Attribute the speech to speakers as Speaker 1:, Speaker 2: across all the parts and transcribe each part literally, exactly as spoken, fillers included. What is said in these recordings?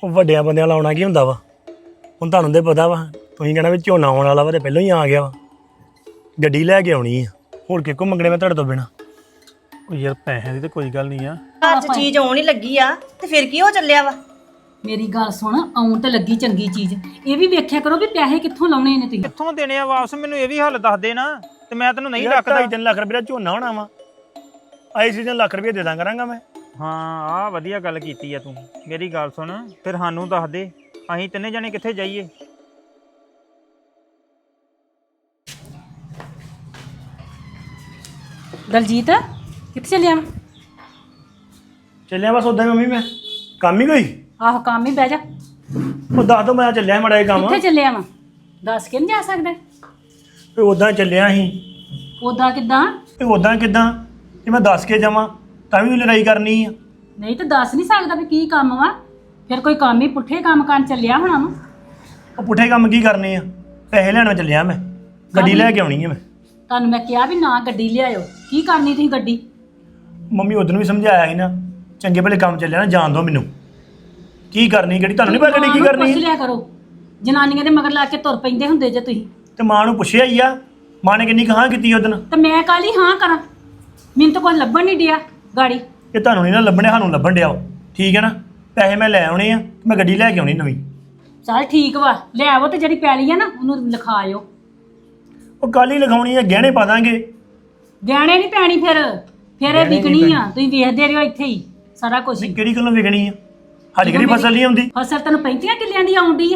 Speaker 1: ਉਹ ਵੱਡਿਆਂ ਬੰਦਿਆਂ ਲਾਉਣਾ ਕੀ ਹੁੰਦਾ ਵਾ। ਹੁਣ ਤੁਹਾਨੂੰ ਤੇ ਪਤਾ ਵਾ, ਤੁਸੀਂ ਕਹਿਣਾ ਵੀ ਝੋਨਾ ਆਉਣ ਵਾਲਾ ਵਾ ਤੇ ਪਹਿਲਾਂ ਹੀ ਆ ਗਿਆ ਵਾ। ਗੱਡੀ ਲੈ ਕੇ ਆਉਣੀ ਆ, ਹੋਰ ਕਿਹਕੋ ਮੰਗਣੇ ਮੈਂ ਤੁਹਾਡੇ ਤੋਂ ਬਿਨਾ।
Speaker 2: ਉਹ ਯਾਰ ਪੈਸਿਆਂ ਦੀ ਤਾਂ ਕੋਈ ਗੱਲ ਨਹੀਂ ਆ।
Speaker 3: ਘਰ 'ਚ ਚੀਜ਼ ਆਉਣ ਹੀ ਲੱਗੀ ਆ ਤੇ ਫਿਰ ਕੀ ਹੋ ਚੱਲਿਆ ਵਾ।
Speaker 4: ਮੇਰੀ ਗੱਲ ਸੁਣ, ਆਉਣ ਤੇ ਲੱਗੀ ਚੰਗੀ ਚੀਜ਼, ਇਹ ਵੀ ਵੇਖਿਆ ਕਰੋ ਵੀ ਪੈਸੇ ਕਿੱਥੋਂ ਲਾਉਣੇ ਨੇ ਤੁਸੀਂ।
Speaker 2: ਕਿੱਥੋਂ ਦੇਣੇ ਆ ਵਾਪਸ? ਮੈਨੂੰ ਇਹ ਵੀ ਹੱਲ ਦੱਸ ਦੇ ਨਾ, ਤੇ ਮੈਂ ਤੈਨੂੰ ਨਹੀਂ ਰੱਖਦਾ।
Speaker 1: ਢਾਈ ਤਿੰਨ ਲੱਖ ਰੁਪਏ ਦਾ ਝੋਨਾ ਹੋਣਾ ਵਾ, ਆਈ ਸੀਜ਼ਨ ਲੱਖ ਰੁਪਏ ਦੇ ਦਾਂ ਕਰਾਂਗਾ ਮੈਂ।
Speaker 2: ਹਾਂ ਆਹ ਵਧੀਆ ਗੱਲ ਕੀਤੀ ਆ ਤੂੰ। ਮੇਰੀ ਗੱਲ ਸੁਣ, ਫਿਰ ਸਾਨੂੰ ਦੱਸ ਦੇ, ਅਸੀਂ ਤਿੰਨੇ ਜਣੇ ਕਿੱਥੇ ਜਾਈਏ?
Speaker 4: ਦਲਜੀਤ ਕਿੱਥੇ ਚੱਲਿਆ?
Speaker 1: ਚੱਲਿਆ ਬਸ ਉਦਾਂ ਹੀ ਮੰਮੀ, ਮੈਂ ਕੰਮ ਹੀ ਕੋਈ।
Speaker 4: ਆਹੋ ਕੰਮ ਹੀ, ਬਹਿ ਜਾ।
Speaker 1: ਉਹ ਦੱਸ ਦੋ, ਮੈਂ ਚੱਲਿਆ ਮਾੜਾ ਜਿਹਾ ਕੰਮ।
Speaker 4: ਕਿੱਥੇ ਚੱਲਿਆ ਵਾ? ਦੱਸ ਕੇ ਨਹੀਂ ਜਾ ਸਕਦਾ?
Speaker 1: ਵੀ ਉਦਾਂ ਚੱਲਿਆ ਸੀ।
Speaker 4: ਉਦਾਂ ਕਿੱਦਾਂ?
Speaker 1: ਤੇ ਉਦਾਂ ਕਿੱਦਾਂ ਜੇ ਮੈਂ ਦੱਸ ਕੇ ਜਾਵਾਂ ਤਾਂ ਵੀ ਲੜਾਈ ਕਰਨੀ ਆ।
Speaker 4: ਨਹੀਂ ਤਾਂ ਦੱਸ ਨਹੀਂ ਸਕਦਾ ਵੀ ਕੀ ਕੰਮ ਵਾ? ਫਿਰ ਕੋਈ ਕੰਮ ਹੀ ਪੁੱਠੇ ਕੰਮ ਕਰਨ ਚੱਲਿਆ ਹੋਣਾ ਵਾ।
Speaker 1: ਉਹ ਪੁੱਠੇ ਕੰਮ ਕੀ ਕਰਨੇ ਆ? ਪੈਸੇ ਲੈਣ ਚੱਲਿਆ ਮੈਂ, ਗੱਡੀ ਲੈ ਕੇ ਆਉਣੀ ਆ ਮੈਂ।
Speaker 4: ਤੁਹਾਨੂੰ ਮੈਂ ਕਿਹਾ ਵੀ ਨਾ ਗੱਡੀ ਲਿਆਇਓ, ਕੀ ਕਰਨੀ ਤੁਸੀਂ ਗੱਡੀ?
Speaker 1: ਮੰਮੀ ਉਦੋਂ ਵੀ ਸਮਝਾਇਆ ਸੀ ਨਾ, ਚੰਗੇ ਭਲੇ ਕੰਮ ਚੱਲਿਆ ਨਾ, ਜਾਣ ਦਿਓ ਮੈਨੂੰ। ਕੀ ਕਰਨੀ ਗੱਡੀ? ਤੁਹਾਨੂੰ ਨਹੀਂ ਪਤਾ ਗੱਡੀ ਕੀ ਕਰਨੀ
Speaker 4: ਪੁੱਛ ਲਿਆ ਕਰੋ, ਜਨਾਨੀਆਂ ਦੇ ਮਗਰ ਲਾ ਕੇ ਤੁਰ ਪੈਂਦੇ ਹੁੰਦੇ ਜੇ ਤੁਸੀਂ।
Speaker 1: ਤੇ ਮਾਂ ਨੂੰ ਪੁੱਛਿਆ ਹੀ ਆ, ਮਾਂ ਨੇ ਕਿੰਨੀ ਕਹਾਂ ਕੀਤੀ ਉਦੋਂ।
Speaker 4: ਤੇ ਮੈਂ ਕਾਲੀ ਹਾਂ ਕਰਾਂ? ਮੈਨੂੰ ਤਾਂ ਕੁਝ ਲੱਭਣ ਨਹੀਂ ਡਿਆ ਗਾੜੀ।
Speaker 1: ਇਹ ਤੁਹਾਨੂੰ ਨਹੀਂ ਨਾ ਲੱਭਣੇ, ਸਾਨੂੰ ਲੱਭਣ ਡਿਆ ਵਾ। ਠੀਕ ਹੈ ਨਾ, ਪੈਸੇ ਮੈਂ ਲੈ ਆਉਣੇ ਆ, ਮੈਂ ਗੱਡੀ ਲੈ ਕੇ ਆਉਣੀ ਨਵੀਂ।
Speaker 4: ਚੱਲ ਠੀਕ ਵਾ, ਲੈ ਆਵੋ ਤੇ ਜਿਹੜੀ ਪੈਲੀ ਆ ਨਾ ਉਹਨੂੰ ਲਿਖਾਇਓ।
Speaker 1: ਉਹ ਕੱਲ ਹੀ ਲਿਖਾਉਣੀ ਆ, ਗਹਿਣੇ ਪਾ ਦਾਂਗੇ।
Speaker 4: ਗਹਿਣੇ ਨਹੀਂ ਪੈਣੀ, ਫਿਰ ਫਿਰ ਇਹ ਵਿਕਣੀ ਆ। ਤੁਸੀਂ ਵੇਖਦੇ ਰਹੋ ਇੱਥੇ ਹੀ ਸਾਰਾ ਕੁਝ।
Speaker 1: ਨਹੀਂ ਕਿਹੜੀ ਗੱਲੋਂ ਵਿਕਣੀ ਆ? ਸਾਡੀ ਕਿਹੜੀ ਫਸਲ ਨਹੀਂ ਆਉਂਦੀ।
Speaker 4: ਫਸਲ ਤੈਨੂੰ ਪੈਂਤੀਆਂ ਕਿੱਲਿਆਂ ਦੀ ਆਉਂਦੀ ਆ,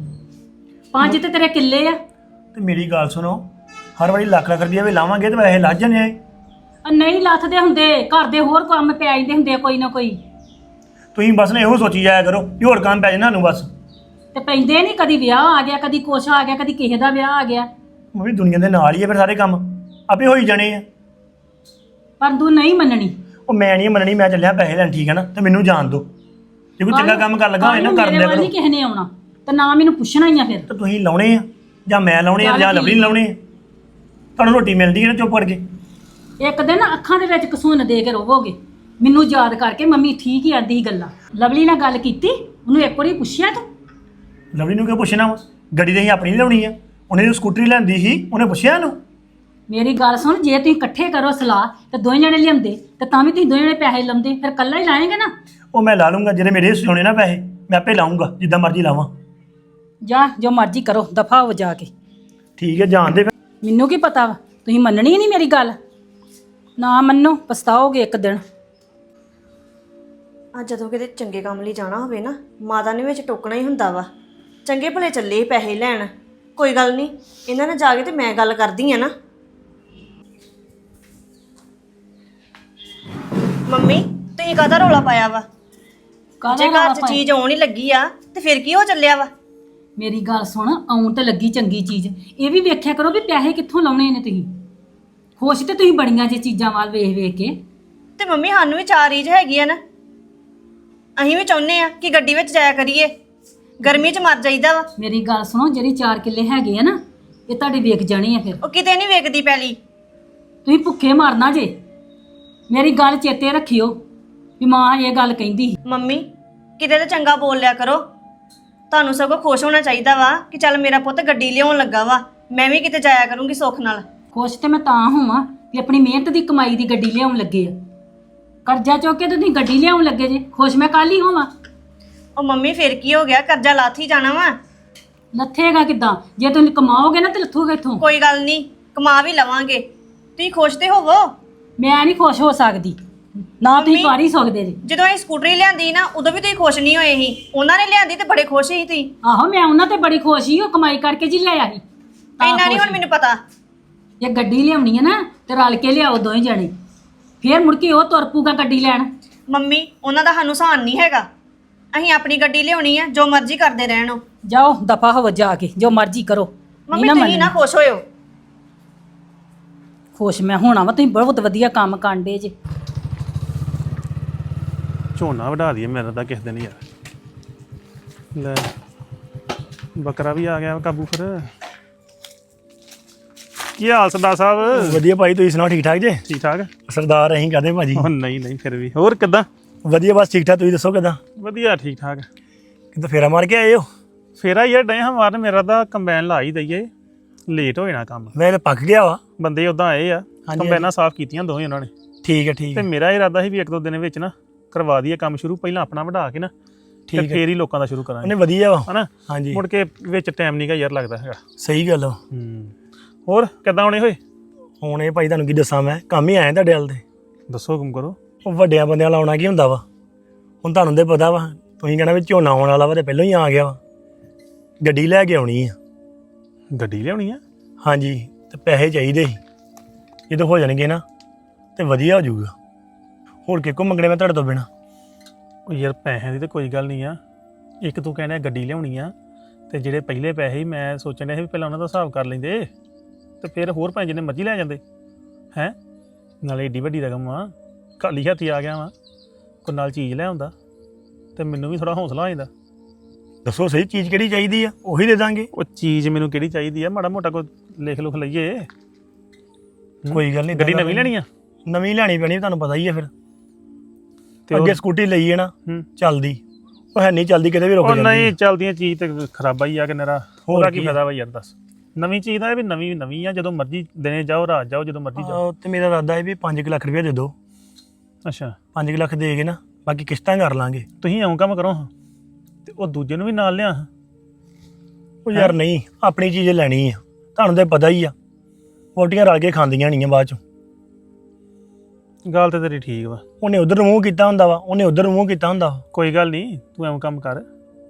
Speaker 4: ਪੰਜ ਤੇ ਤੇਰੇ ਕਿੱਲੇ ਆ।
Speaker 1: ਤੇ ਮੇਰੀ ਗੱਲ ਸੁਣੋ, ਹਰ ਵਾਰੀ ਲੱਖ ਲੱਖ ਰੁਪਈਆ ਵੀ ਲਾਵਾਂਗੇ ਤੇ ਪੈਸੇ ਲੱਜ ਜਾਣੇ ਆ।
Speaker 4: ਆ ਨਹੀਂ ਲੱਥਦੇ ਹੁੰਦੇ, ਘਰ ਦੇ ਹੋਰ ਕੰਮ ਪੈ ਜਾਂਦੇ ਹੁੰਦੇ ਆ ਕੋਈ ਨਾ ਕੋਈ।
Speaker 1: ਤੁਸੀਂ ਬਸ ਨਾ ਇਹੋ ਸੋਚੀ ਜਾਇਆ ਕਰੋ ਵੀ ਹੋਰ ਕੰਮ ਪੈ ਜਾਣਾ ਸਾਨੂੰ ਬਸ।
Speaker 4: ਤੇ ਪੈਂਦੇ ਨਹੀਂ, ਕਦੀ ਵਿਆਹ ਆ ਗਿਆ, ਕਦੀ ਕੁਛ ਆ ਗਿਆ, ਕਦੀ ਕਿਸੇ ਦਾ ਵਿਆਹ ਆ ਗਿਆ।
Speaker 1: ਮੰਮੀ ਦੁਨੀਆ ਦੇ ਨਾਲ ਹੀ ਆ ਫਿਰ ਸਾਰੇ ਕੰਮ, ਆਪੇ ਹੋਈ ਜਾਣੇ ਆ।
Speaker 4: ਪਰ ਤੂੰ ਨਹੀਂ ਮੰਨਣੀ।
Speaker 1: ਉਹ ਮੈਂ ਨਹੀਂ ਮੰਨਣੀ, ਮੈਂ ਚੱਲਿਆ ਪੈਸੇ ਲੈਣ। ਠੀਕ ਹੈ ਨਾ, ਤੇ ਮੈਨੂੰ ਜਾਣ ਦਿਓ। ਜੇ ਕੋਈ ਚੰਗਾ ਕੰਮ ਕਰ ਲੱਗਾ ਹੋਏ ਨਾ, ਕਰ ਦਿਆ
Speaker 4: ਮੇਰੇ
Speaker 1: ਕਰੋ।
Speaker 4: ਵੱਲ ਨਹੀਂ ਕਿਸੇ ਨੇ ਆਉਣਾ ਤੇ ਨਾ ਮੈਨੂੰ ਪੁੱਛਣਾ ਹੀ ਆ। ਫਿਰ
Speaker 1: ਤੇ ਤੁਸੀਂ ਲਾਉਣੇ ਆ ਜਾਂ ਮੈਂ ਲਾਉਣੇ ਆ ਜਾਂ ਲਵਲੀ ਲਾਉਣੇ ਆ? ਤੁਹਾਨੂੰ ਰੋਟੀ ਮਿਲਦੀ ਹੈ ਨਾ ਚੁੱਪ ਕਰਕੇ।
Speaker 4: ਇੱਕ ਦਿਨ ਅੱਖਾਂ ਦੇ ਵਿੱਚ ਕਸੂਨ ਦੇ ਕੇ ਰੋਵੋਗੇ, ਮੈਨੂੰ ਯਾਦ ਕਰਕੇ ਮੰਮੀ ਠੀਕ ਹੀ ਆਂਦੀ ਸੀ ਗੱਲਾਂ। ਲਵਲੀ ਨਾਲ ਗੱਲ ਕੀਤੀ, ਉਹਨੂੰ ਇੱਕ ਵਾਰੀ ਪੁੱਛਿਆ ਤੂੰ?
Speaker 1: ਲਵਲੀ ਨੂੰ ਕਿਉਂ ਪੁੱਛਣਾ ਵਾ? ਗੱਡੀ ਤਾਂ ਅਸੀਂ ਆਪਣੀ ਲਿਆਉਣੀ ਆ। ਉਹਨੇ ਜੋ ਸਕੂਟਰੀ ਲੈਂਦੀ ਸੀ, ਉਹਨੇ ਪੁੱਛਿਆ ਇਹਨੂੰ?
Speaker 4: ਮੇਰੀ ਗੱਲ ਸੁਣ, ਜੇ ਤੁਸੀਂ ਇਕੱਠੇ ਕਰੋ ਸਲਾਹ ਤੇ ਦੋਵੇਂ ਜਣੇ ਲਿਆਉਂਦੇ ਤੇ ਤਾਂ ਵੀ ਤੁਸੀਂ ਦੋਵੇਂ ਜਣੇ ਪੈਸੇ ਲਾਉਂਦੇ, ਫਿਰ ਇਕੱਲਾ ਹੀ ਲਾਏਂਗੇ ਨਾ।
Speaker 1: ਉਹ ਮੈਂ ਲਾ ਲੂੰਗਾ, ਜਿਹੜੇ ਮੇਰੇ ਹਿੱਸੇ ਹੋਣੇ ਨਾ ਪੈਸੇ ਮੈਂ ਆਪੇ ਲਾਉਂਗਾ, ਜਿੱਦਾਂ ਮਰਜ਼ੀ ਲਾਵਾਂ।
Speaker 4: ਜਾ ਜੋ ਮਰਜ਼ੀ ਕਰੋ, ਦਫਾ ਹੋ ਜਾ ਕੇ।
Speaker 1: ਠੀਕ ਹੈ, ਜਾਣ ਦੇ ਫਿਰ।
Speaker 4: ਮੈਨੂੰ ਕੀ ਪਤਾ ਵਾ, ਤੁਸੀਂ ਮੰਨਣੀ ਨਹੀਂ ਮੇਰੀ ਗੱਲ। ਨਾ ਮੰਨੋ, ਪਛਤਾਓਗੇ ਇੱਕ ਦਿਨ।
Speaker 3: ਆ ਜਦੋਂ ਕਿਤੇ ਚੰਗੇ ਕੰਮ ਲਈ ਜਾਣਾ ਹੋਵੇ ਨਾ, ਮਾਤਾ ਨੇ ਵਿੱਚ ਟੋਕਣਾ ਹੀ ਹੁੰਦਾ ਵਾ। ਚੰਗੇ ਭਲੇ ਚੱਲੇ ਪੈਸੇ ਲੈਣ, ਕੋਈ ਗੱਲ ਨਹੀਂ, ਇਹਨਾਂ ਨਾਲ ਜਾ ਕੇ ਤੇ ਮੈਂ ਗੱਲ ਕਰਦੀ ਆ ਨਾ। ਮੰਮੀ ਤੁਸੀਂ ਕਾਹਦਾ ਰੌਲਾ ਪਾਇਆ ਵਾ? ਜੇ ਘਰ 'ਚ ਚੀਜ਼ ਆਉਣ ਹੀ ਲੱਗੀ ਆ ਤੇ ਫਿਰ ਕੀ ਹੋ ਚੱਲਿਆ ਵਾ?
Speaker 4: ਮੇਰੀ ਗੱਲ ਸੁਣ, ਆਉਣ ਤੇ ਲੱਗੀ ਚੰਗੀ ਚੀਜ਼, ਇਹ ਵੀ ਵੇਖਿਆ ਕਰੋ ਵੀ ਪੈਸੇ ਕਿੱਥੋਂ ਲਾਉਣੇ ਨੇ ਤੁਸੀਂ। ਖੁਸ਼ ਤੇ ਤੁਸੀਂ ਬੜੀਆਂ ਜੇ ਚੀਜ਼ਾਂ ਵੱਲ ਵੇਖ ਵੇਖ ਕੇ।
Speaker 3: ਤੇ ਮੰਮੀ ਸਾਨੂੰ ਵੀ ਚਾਰ ਰੀਝ ਹੈਗੀ ਆ ਨਾ, ਅਸੀਂ ਵੀ ਚਾਹੁੰਦੇ ਆ ਕਿ ਗੱਡੀ ਵਿੱਚ ਜਾਇਆ ਕਰੀਏ, ਗਰਮੀ 'ਚ ਮਰ ਜਾਈਦਾ ਵਾ।
Speaker 4: ਮੇਰੀ ਗੱਲ ਸੁਣੋ, ਜਿਹੜੀ ਚਾਰ ਕਿੱਲੇ ਹੈਗੇ ਆ ਨਾ, ਇਹ ਤੁਹਾਡੇ ਵੇਖ ਜਾਣੇ ਆ। ਫਿਰ
Speaker 3: ਉਹ ਕਿਤੇ ਨਹੀਂ ਵੇਖਦੀ ਪੈਲੀ।
Speaker 4: ਤੁਸੀਂ ਭੁੱਖੇ ਮਰਨਾ ਜੇ। ਮੇਰੀ ਗੱਲ ਚੇਤੇ ਰੱਖਿਓ ਵੀ ਮਾਂ ਇਹ ਗੱਲ ਕਹਿੰਦੀ ਸੀ।
Speaker 3: ਮੰਮੀ ਕਿਤੇ ਤਾਂ ਚੰਗਾ ਬੋਲ ਲਿਆ ਕਰੋ, ਤੁਹਾਨੂੰ ਸਗੋਂ ਖੁਸ਼ ਹੋਣਾ ਚਾਹੀਦਾ ਵਾ ਕਿ ਚੱਲ ਮੇਰਾ ਪੁੱਤ ਗੱਡੀ ਲਿਆਉਣ ਲੱਗਾ ਵਾ, ਮੈਂ ਵੀ ਕਿਤੇ ਜਾਇਆ ਕਰੂੰਗੀ ਸੁੱਖ ਨਾਲ।
Speaker 4: ਖੁਸ਼ ਤੇ ਮੈਂ ਤਾਂ ਹੋਵਾਂ ਵੀ ਆਪਣੀ ਮਿਹਨਤ ਦੀ ਕਮਾਈ ਦੀ ਗੱਡੀ ਲਿਆਉਣ ਲੱਗੇ ਆ। ਕਰਜ਼ਾ ਚੁੱਕ ਕੇ ਤੁਸੀਂ ਗੱਡੀ ਲਿਆਉਣ ਲੱਗੇ ਜੇ, ਖੁਸ਼ ਮੈਂ ਕੱਲ ਹੀ ਹੋਵਾਂ।
Speaker 3: ਉਹ ਮੰਮੀ ਫਿਰ ਕੀ ਹੋ ਗਿਆ, ਕਰਜ਼ਾ ਲਾਥ ਹੀ ਜਾਣਾ ਵਾ।
Speaker 4: ਲੱਥੇਗਾ ਕਿੱਦਾਂ? ਜੇ ਤੁਸੀਂ ਕਮਾਓਗੇ ਨਾ ਤੇ ਲੱਥੂਗਾ ਇੱਥੋਂ।
Speaker 3: ਕੋਈ ਗੱਲ ਨਹੀਂ, ਕਮਾ ਵੀ ਲਵਾਂਗੇ, ਤੁਸੀਂ ਖੁਸ਼ ਤੇ ਹੋਵੋ।
Speaker 4: ਮੈਂ ਨਹੀਂ ਖੁਸ਼ ਹੋ ਸਕਦੀ, ਨਾ ਤੁਸੀਂ ਕਰ ਹੀ ਸਕਦੇ ਜੇ।
Speaker 3: ਜਦੋਂ ਅਸੀਂ ਸਕੂਟਰੀ ਲਿਆਂਦੀ ਨਾ, ਉਦੋਂ ਵੀ ਤੁਸੀਂ ਖੁਸ਼ ਨਹੀਂ ਹੋਏ ਸੀ। ਉਹਨਾਂ ਨੇ ਲਿਆਂਦੀ ਤੇ ਬੜੇ ਖੁਸ਼ ਸੀ ਤੁਸੀਂ।
Speaker 4: ਆਹੋ ਮੈਂ ਉਹਨਾਂ ਤੇ ਬੜੀ ਖੁਸ਼ ਸੀ, ਉਹ ਕਮਾਈ ਕਰਕੇ ਜੀ ਲਿਆਇਆ ਸੀ।
Speaker 3: ਇੰਨਾ ਨਹੀਂ ਹੁਣ ਮੈਨੂੰ ਪਤਾ।
Speaker 4: ਜੇ ਗੱਡੀ ਲਿਆਉਣੀ ਹੈ ਨਾ ਤੇ ਰਲ ਕੇ ਲਿਆਓ ਦੋਵੇਂ ਜਣੇ, ਫੇਰ ਮੁੜ ਕੇ ਉਹ ਤੁਰ ਪੂਗਾ ਗੱਡੀ ਲੈਣ।
Speaker 3: ਮੰਮੀ ਉਹਨਾਂ ਦਾ ਸਾਨੂੰ ਸਾਨ ਨਹੀਂ ਹੈਗਾ, ਅਸੀਂ ਆਪਣੀ ਗੱਡੀ ਲਿਆਉਣੀ ਆ, ਜੋ ਮਰਜ਼ੀ ਕਰਦੇ ਰਹਿਣ। ਉਹ
Speaker 4: ਜਾਓ ਦਫਾ ਹੋ ਜਾ ਕੇ, ਜੋ ਮਰਜ਼ੀ ਕਰੋ।
Speaker 3: ਮੰਮੀ ਤੁਸੀਂ ਨਾ ਖੁਸ਼ ਹੋਇਓ।
Speaker 4: ਖੁਸ਼ ਮੈਂ ਹੋਣਾ ਵਾ, ਤੁਸੀਂ ਬਹੁਤ ਵਧੀਆ ਕੰਮ ਕਾਂਡੇ ਜੇ।
Speaker 2: ਝੋਨਾ ਵਢਾ ਦਈਏ ਮੇਰਾ ਤਾਂ ਕਿਸੇ ਦਿਨ ਯਾਰ। ਲੈ ਬੱਕਰਾ ਵੀ ਆ ਗਿਆ ਕਾਬੂ। ਫਿਰ ਕੀ ਹਾਲ ਸਰਦਾਰ ਸਾਹਿਬ?
Speaker 1: ਵਧੀਆ ਭਾਈ, ਤੁਸੀਂ ਸੁਣਾਓ? ਠੀਕ ਠਾਕ ਜੇ?
Speaker 2: ਠੀਕ ਠਾਕ।
Speaker 1: ਸਰਦਾਰ ਅਸੀਂ ਕਹਦੇ ਭਾਜੀ।
Speaker 2: ਉਹ ਨਹੀਂ ਨਹੀਂ, ਫਿਰ ਵੀ ਹੋਰ ਕਿੱਦਾਂ?
Speaker 1: ਵਧੀਆ, ਬਸ ਠੀਕ ਠਾਕ। ਤੁਸੀਂ ਦੱਸੋ ਕਿੱਦਾਂ?
Speaker 2: ਵਧੀਆ ਠੀਕ ਠਾਕ।
Speaker 1: ਕਿਤੇ ਫੇਰਾ ਮਾਰ ਕੇ ਆਏ ਹੋ?
Speaker 2: ਫੇਰਾ ਯਾਰ ਡੇ ਹਾਂ ਮਾਰਨ, ਮੇਰਾ ਤਾਂ ਕੰਬਾਈਨ ਲਾ ਹੀ ਦਈਏ, ਲੇਟ ਹੋ ਜਾਣਾ ਕੰਮ।
Speaker 1: ਮੈਂ ਤਾਂ ਪੱਕ ਗਿਆ ਵਾ।
Speaker 2: ਬੰਦੇ ਉਦਾਂ ਆਏ ਆ, ਕੰਬਾਈਨਾਂ ਸਾਫ਼ ਕੀਤੀਆਂ ਦੋਵੇਂ ਉਹਨਾਂ ਨੇ।
Speaker 1: ਠੀਕ ਹੈ ਠੀਕ
Speaker 2: ਤੇ
Speaker 1: ਹੈ
Speaker 2: ਮੇਰਾ ਇਰਾਦਾ ਸੀ ਵੀ ਇੱਕ ਦੋ ਦਿਨ ਵਿੱਚ ਨਾ ਕਰਵਾ ਦਈਏ ਕੰਮ ਸ਼ੁਰੂ, ਪਹਿਲਾਂ ਆਪਣਾ ਵਧਾ ਕੇ ਨਾ ਤੇ
Speaker 1: ਠੀਕ ਹੈ।
Speaker 2: ਫੇਰ ਹੀ ਲੋਕਾਂ ਦਾ ਸ਼ੁਰੂ ਕਰਾਂਗੇ,
Speaker 1: ਉਹਨੇ ਵਧੀਆ ਵਾ।
Speaker 2: ਹਨਾ?
Speaker 1: ਹਾਂਜੀ
Speaker 2: ਮੁੜ ਕੇ ਵਿੱਚ ਟਾਈਮ ਨਹੀਂ ਗਾ ਯਾਰ ਲੱਗਦਾ ਹੈਗਾ।
Speaker 1: ਸਹੀ ਗੱਲ ਵਾ।
Speaker 2: ਹੂੰ, ਹੋਰ ਕਿੱਦਾਂ ਆਉਣੇ ਹੋਏ?
Speaker 1: ਹੁਣ ਇਹ ਭਾਈ ਤੁਹਾਨੂੰ ਕੀ ਦੱਸਾਂ, ਮੈਂ ਕੰਮ ਹੀ ਆਇਆ ਤੁਹਾਡੇ ਵੱਲ ਤੇ।
Speaker 2: ਦੱਸੋ ਹੁਕਮ ਕਰੋ।
Speaker 1: ਉਹ ਵੱਡਿਆਂ ਬੰਦਿਆਂ ਨਾਲ ਆਉਣਾ ਕੀ ਹੁੰਦਾ ਵਾ, ਹੁਣ ਤੁਹਾਨੂੰ ਤੇ ਪਤਾ ਵਾ, ਤੁਸੀਂ ਕਹਿਣਾ ਵੀ ਝੋਨਾ ਆਉਣ ਵਾਲਾ ਵਾ ਤੇ ਪਹਿਲਾਂ ਹੀ ਆ ਗਿਆ ਵਾ। ਗੱਡੀ ਲੈ ਕੇ ਆਉਣੀ ਆ।
Speaker 2: ਗੱਡੀ ਲਿਆਉਣੀ ਆ?
Speaker 1: ਹਾਂਜੀ, ਤੇ ਪੈਸੇ ਚਾਹੀਦੇ ਸੀ, ਜਦੋਂ ਹੋ ਜਾਣਗੇ ਨਾ ਤੇ ਵਧੀਆ ਹੋ ਜਾਊਗਾ। ਹੋਰ ਕਿਹਕੋ ਮੰਗਣੇ ਮੈਂ ਤੁਹਾਡੇ ਤੋਂ ਬਿਨਾ।
Speaker 2: ਉਹ ਯਾਰ ਪੈਸਿਆਂ ਦੀ ਤਾਂ ਕੋਈ ਗੱਲ ਨਹੀਂ ਆ, ਇੱਕ ਤੂੰ ਕਹਿੰਦਾ ਗੱਡੀ ਲਿਆਉਣੀ ਆ, ਤੇ ਜਿਹੜੇ ਪਹਿਲੇ ਪੈਸੇ ਸੀ ਮੈਂ ਸੋਚਣ ਡਿਆ ਸੀ ਵੀ ਪਹਿਲਾਂ ਉਹਨਾਂ ਦਾ ਹਿਸਾਬ ਕਰ ਲੈਂਦੇ ਤੇ ਫਿਰ ਹੋਰ ਪੈਸੇ ਜਿੰਨੇ ਮਰਜ਼ੀ ਲੈ ਜਾਂਦੇ ਹੈ। ਨਾਲੇ ਏਡੀ ਵੱਡੀ ਰਕਮ ਆ, ਖਾਲੀ ਹੱਥੀ ਆ ਗਿਆ ਵਾ, ਕੋਈ ਨਾਲ ਚੀਜ਼ ਲੈ ਆਉਂਦਾ ਤੇ ਮੈਨੂੰ ਵੀ ਥੋੜਾ ਹੌਸਲਾ ਹੋ ਜਾਂਦਾ।
Speaker 1: ਦੱਸੋ ਸਹੀ ਚੀਜ਼ ਕਿਹੜੀ ਚਾਹੀਦੀ ਆ, ਉਹੀ ਦੇ ਦਾਂਗੇ।
Speaker 2: ਉਹ ਚੀਜ਼ ਮੈਨੂੰ ਕਿਹੜੀ ਚਾਹੀਦੀ ਆ, ਮਾੜਾ ਮੋਟਾ ਕੋਈ ਲਿਖ ਲੁਖ ਲਈਏ।
Speaker 1: ਕੋਈ ਗੱਲ ਨਹੀਂ,
Speaker 2: ਗੱਡੀ ਨਵੀਂ ਲੈਣੀ ਆ?
Speaker 1: ਨਵੀਂ ਲੈਣੀ ਪੈਣੀ, ਤੁਹਾਨੂੰ ਪਤਾ ਹੀ ਆ। ਫਿਰ
Speaker 2: ਤੇ
Speaker 1: ਅੱਗੇ
Speaker 2: ਉਹ-
Speaker 1: ਸਕੂਟੀ ਲਈ ਹੈ ਨਾ,
Speaker 2: ਹੂੰ।
Speaker 1: ਚੱਲਦੀ ਉਹ ਹੈ ਨਹੀਂ, ਚੱਲਦੀ ਕਿਤੇ ਵੀ ਰੁਕ
Speaker 2: ਉਹ
Speaker 1: ਜਾਂਦੀ
Speaker 2: ਨਹੀਂ
Speaker 1: ਹੈ।
Speaker 2: ਚੱਲਦੀਆਂ ਚੀਜ਼ ਤੇ ਖਰਾਬਾ ਹੀ ਆ ਕਿ ਨਰਾ, ਉਹਦਾ ਕੀ
Speaker 1: ਕੀ ਆ?
Speaker 2: ਫਾਇਦਾ ਵਾ ਯਾਰ ਦੱਸ। ਨਵੀਂ ਚੀਜ਼ ਦਾ ਇਹ ਵੀ ਨਵੀਂ ਨਵੀਂ ਆ, ਜਦੋਂ ਮਰਜ਼ੀ ਦਿਨੇ ਜਾਓ ਰਾਤ ਜਾਓ, ਜਦੋਂ ਮਰਜ਼ੀ ਜਾਓ।
Speaker 1: ਆਹੋ, ਤੇ ਮੇਰਾ ਇਰਾਦਾ ਹੈ ਵੀ ਪੰਜ ਲੱਖ ਰੁਪਇਆ ਦੇ ਦਿਓ।
Speaker 2: ਅੱਛਾ,
Speaker 1: ਪੰਜ ਲੱਖ ਦੇ ਕੇ ਨਾ ਬਾਕੀ ਕਿਸ਼ਤਾਂ ਕਰ ਲਾਂਗੇ।
Speaker 2: ਤੁਸੀਂ ਇਉਂ ਕੰਮ ਕਰੋ ਹਾਂ, ਤੇ ਉਹ ਦੂਜੇ ਨੂੰ ਵੀ ਨਾਲ ਲਿਆ ਹਾਂ।
Speaker 1: ਉਹ ਯਾਰ ਨਹੀਂ, ਆਪਣੀ ਚੀਜ਼ ਲੈਣੀ ਆ, ਤੁਹਾਨੂੰ ਤਾਂ ਪਤਾ ਹੀ ਆ, ਪੋਟੀਆਂ ਰਲ ਕੇ ਖਾਂਦੀਆਂ ਨਹੀਂ ਆ ਬਾਅਦ ਚੋਂ।
Speaker 2: ਗੱਲ ਤੇ ਤੇਰੀ ਠੀਕ ਵਾ,
Speaker 1: ਉਹਨੇ ਉਧਰ ਮੂੰਹ ਕੀਤਾ ਹੁੰਦਾ ਵਾ, ਉਹਨੇ ਉਧਰ ਮੂੰਹ ਕੀਤਾ ਹੁੰਦਾ ਵਾ।
Speaker 2: ਕੋਈ ਗੱਲ ਨਹੀਂ, ਤੂੰ ਐਵੇਂ ਕੰਮ ਕਰ,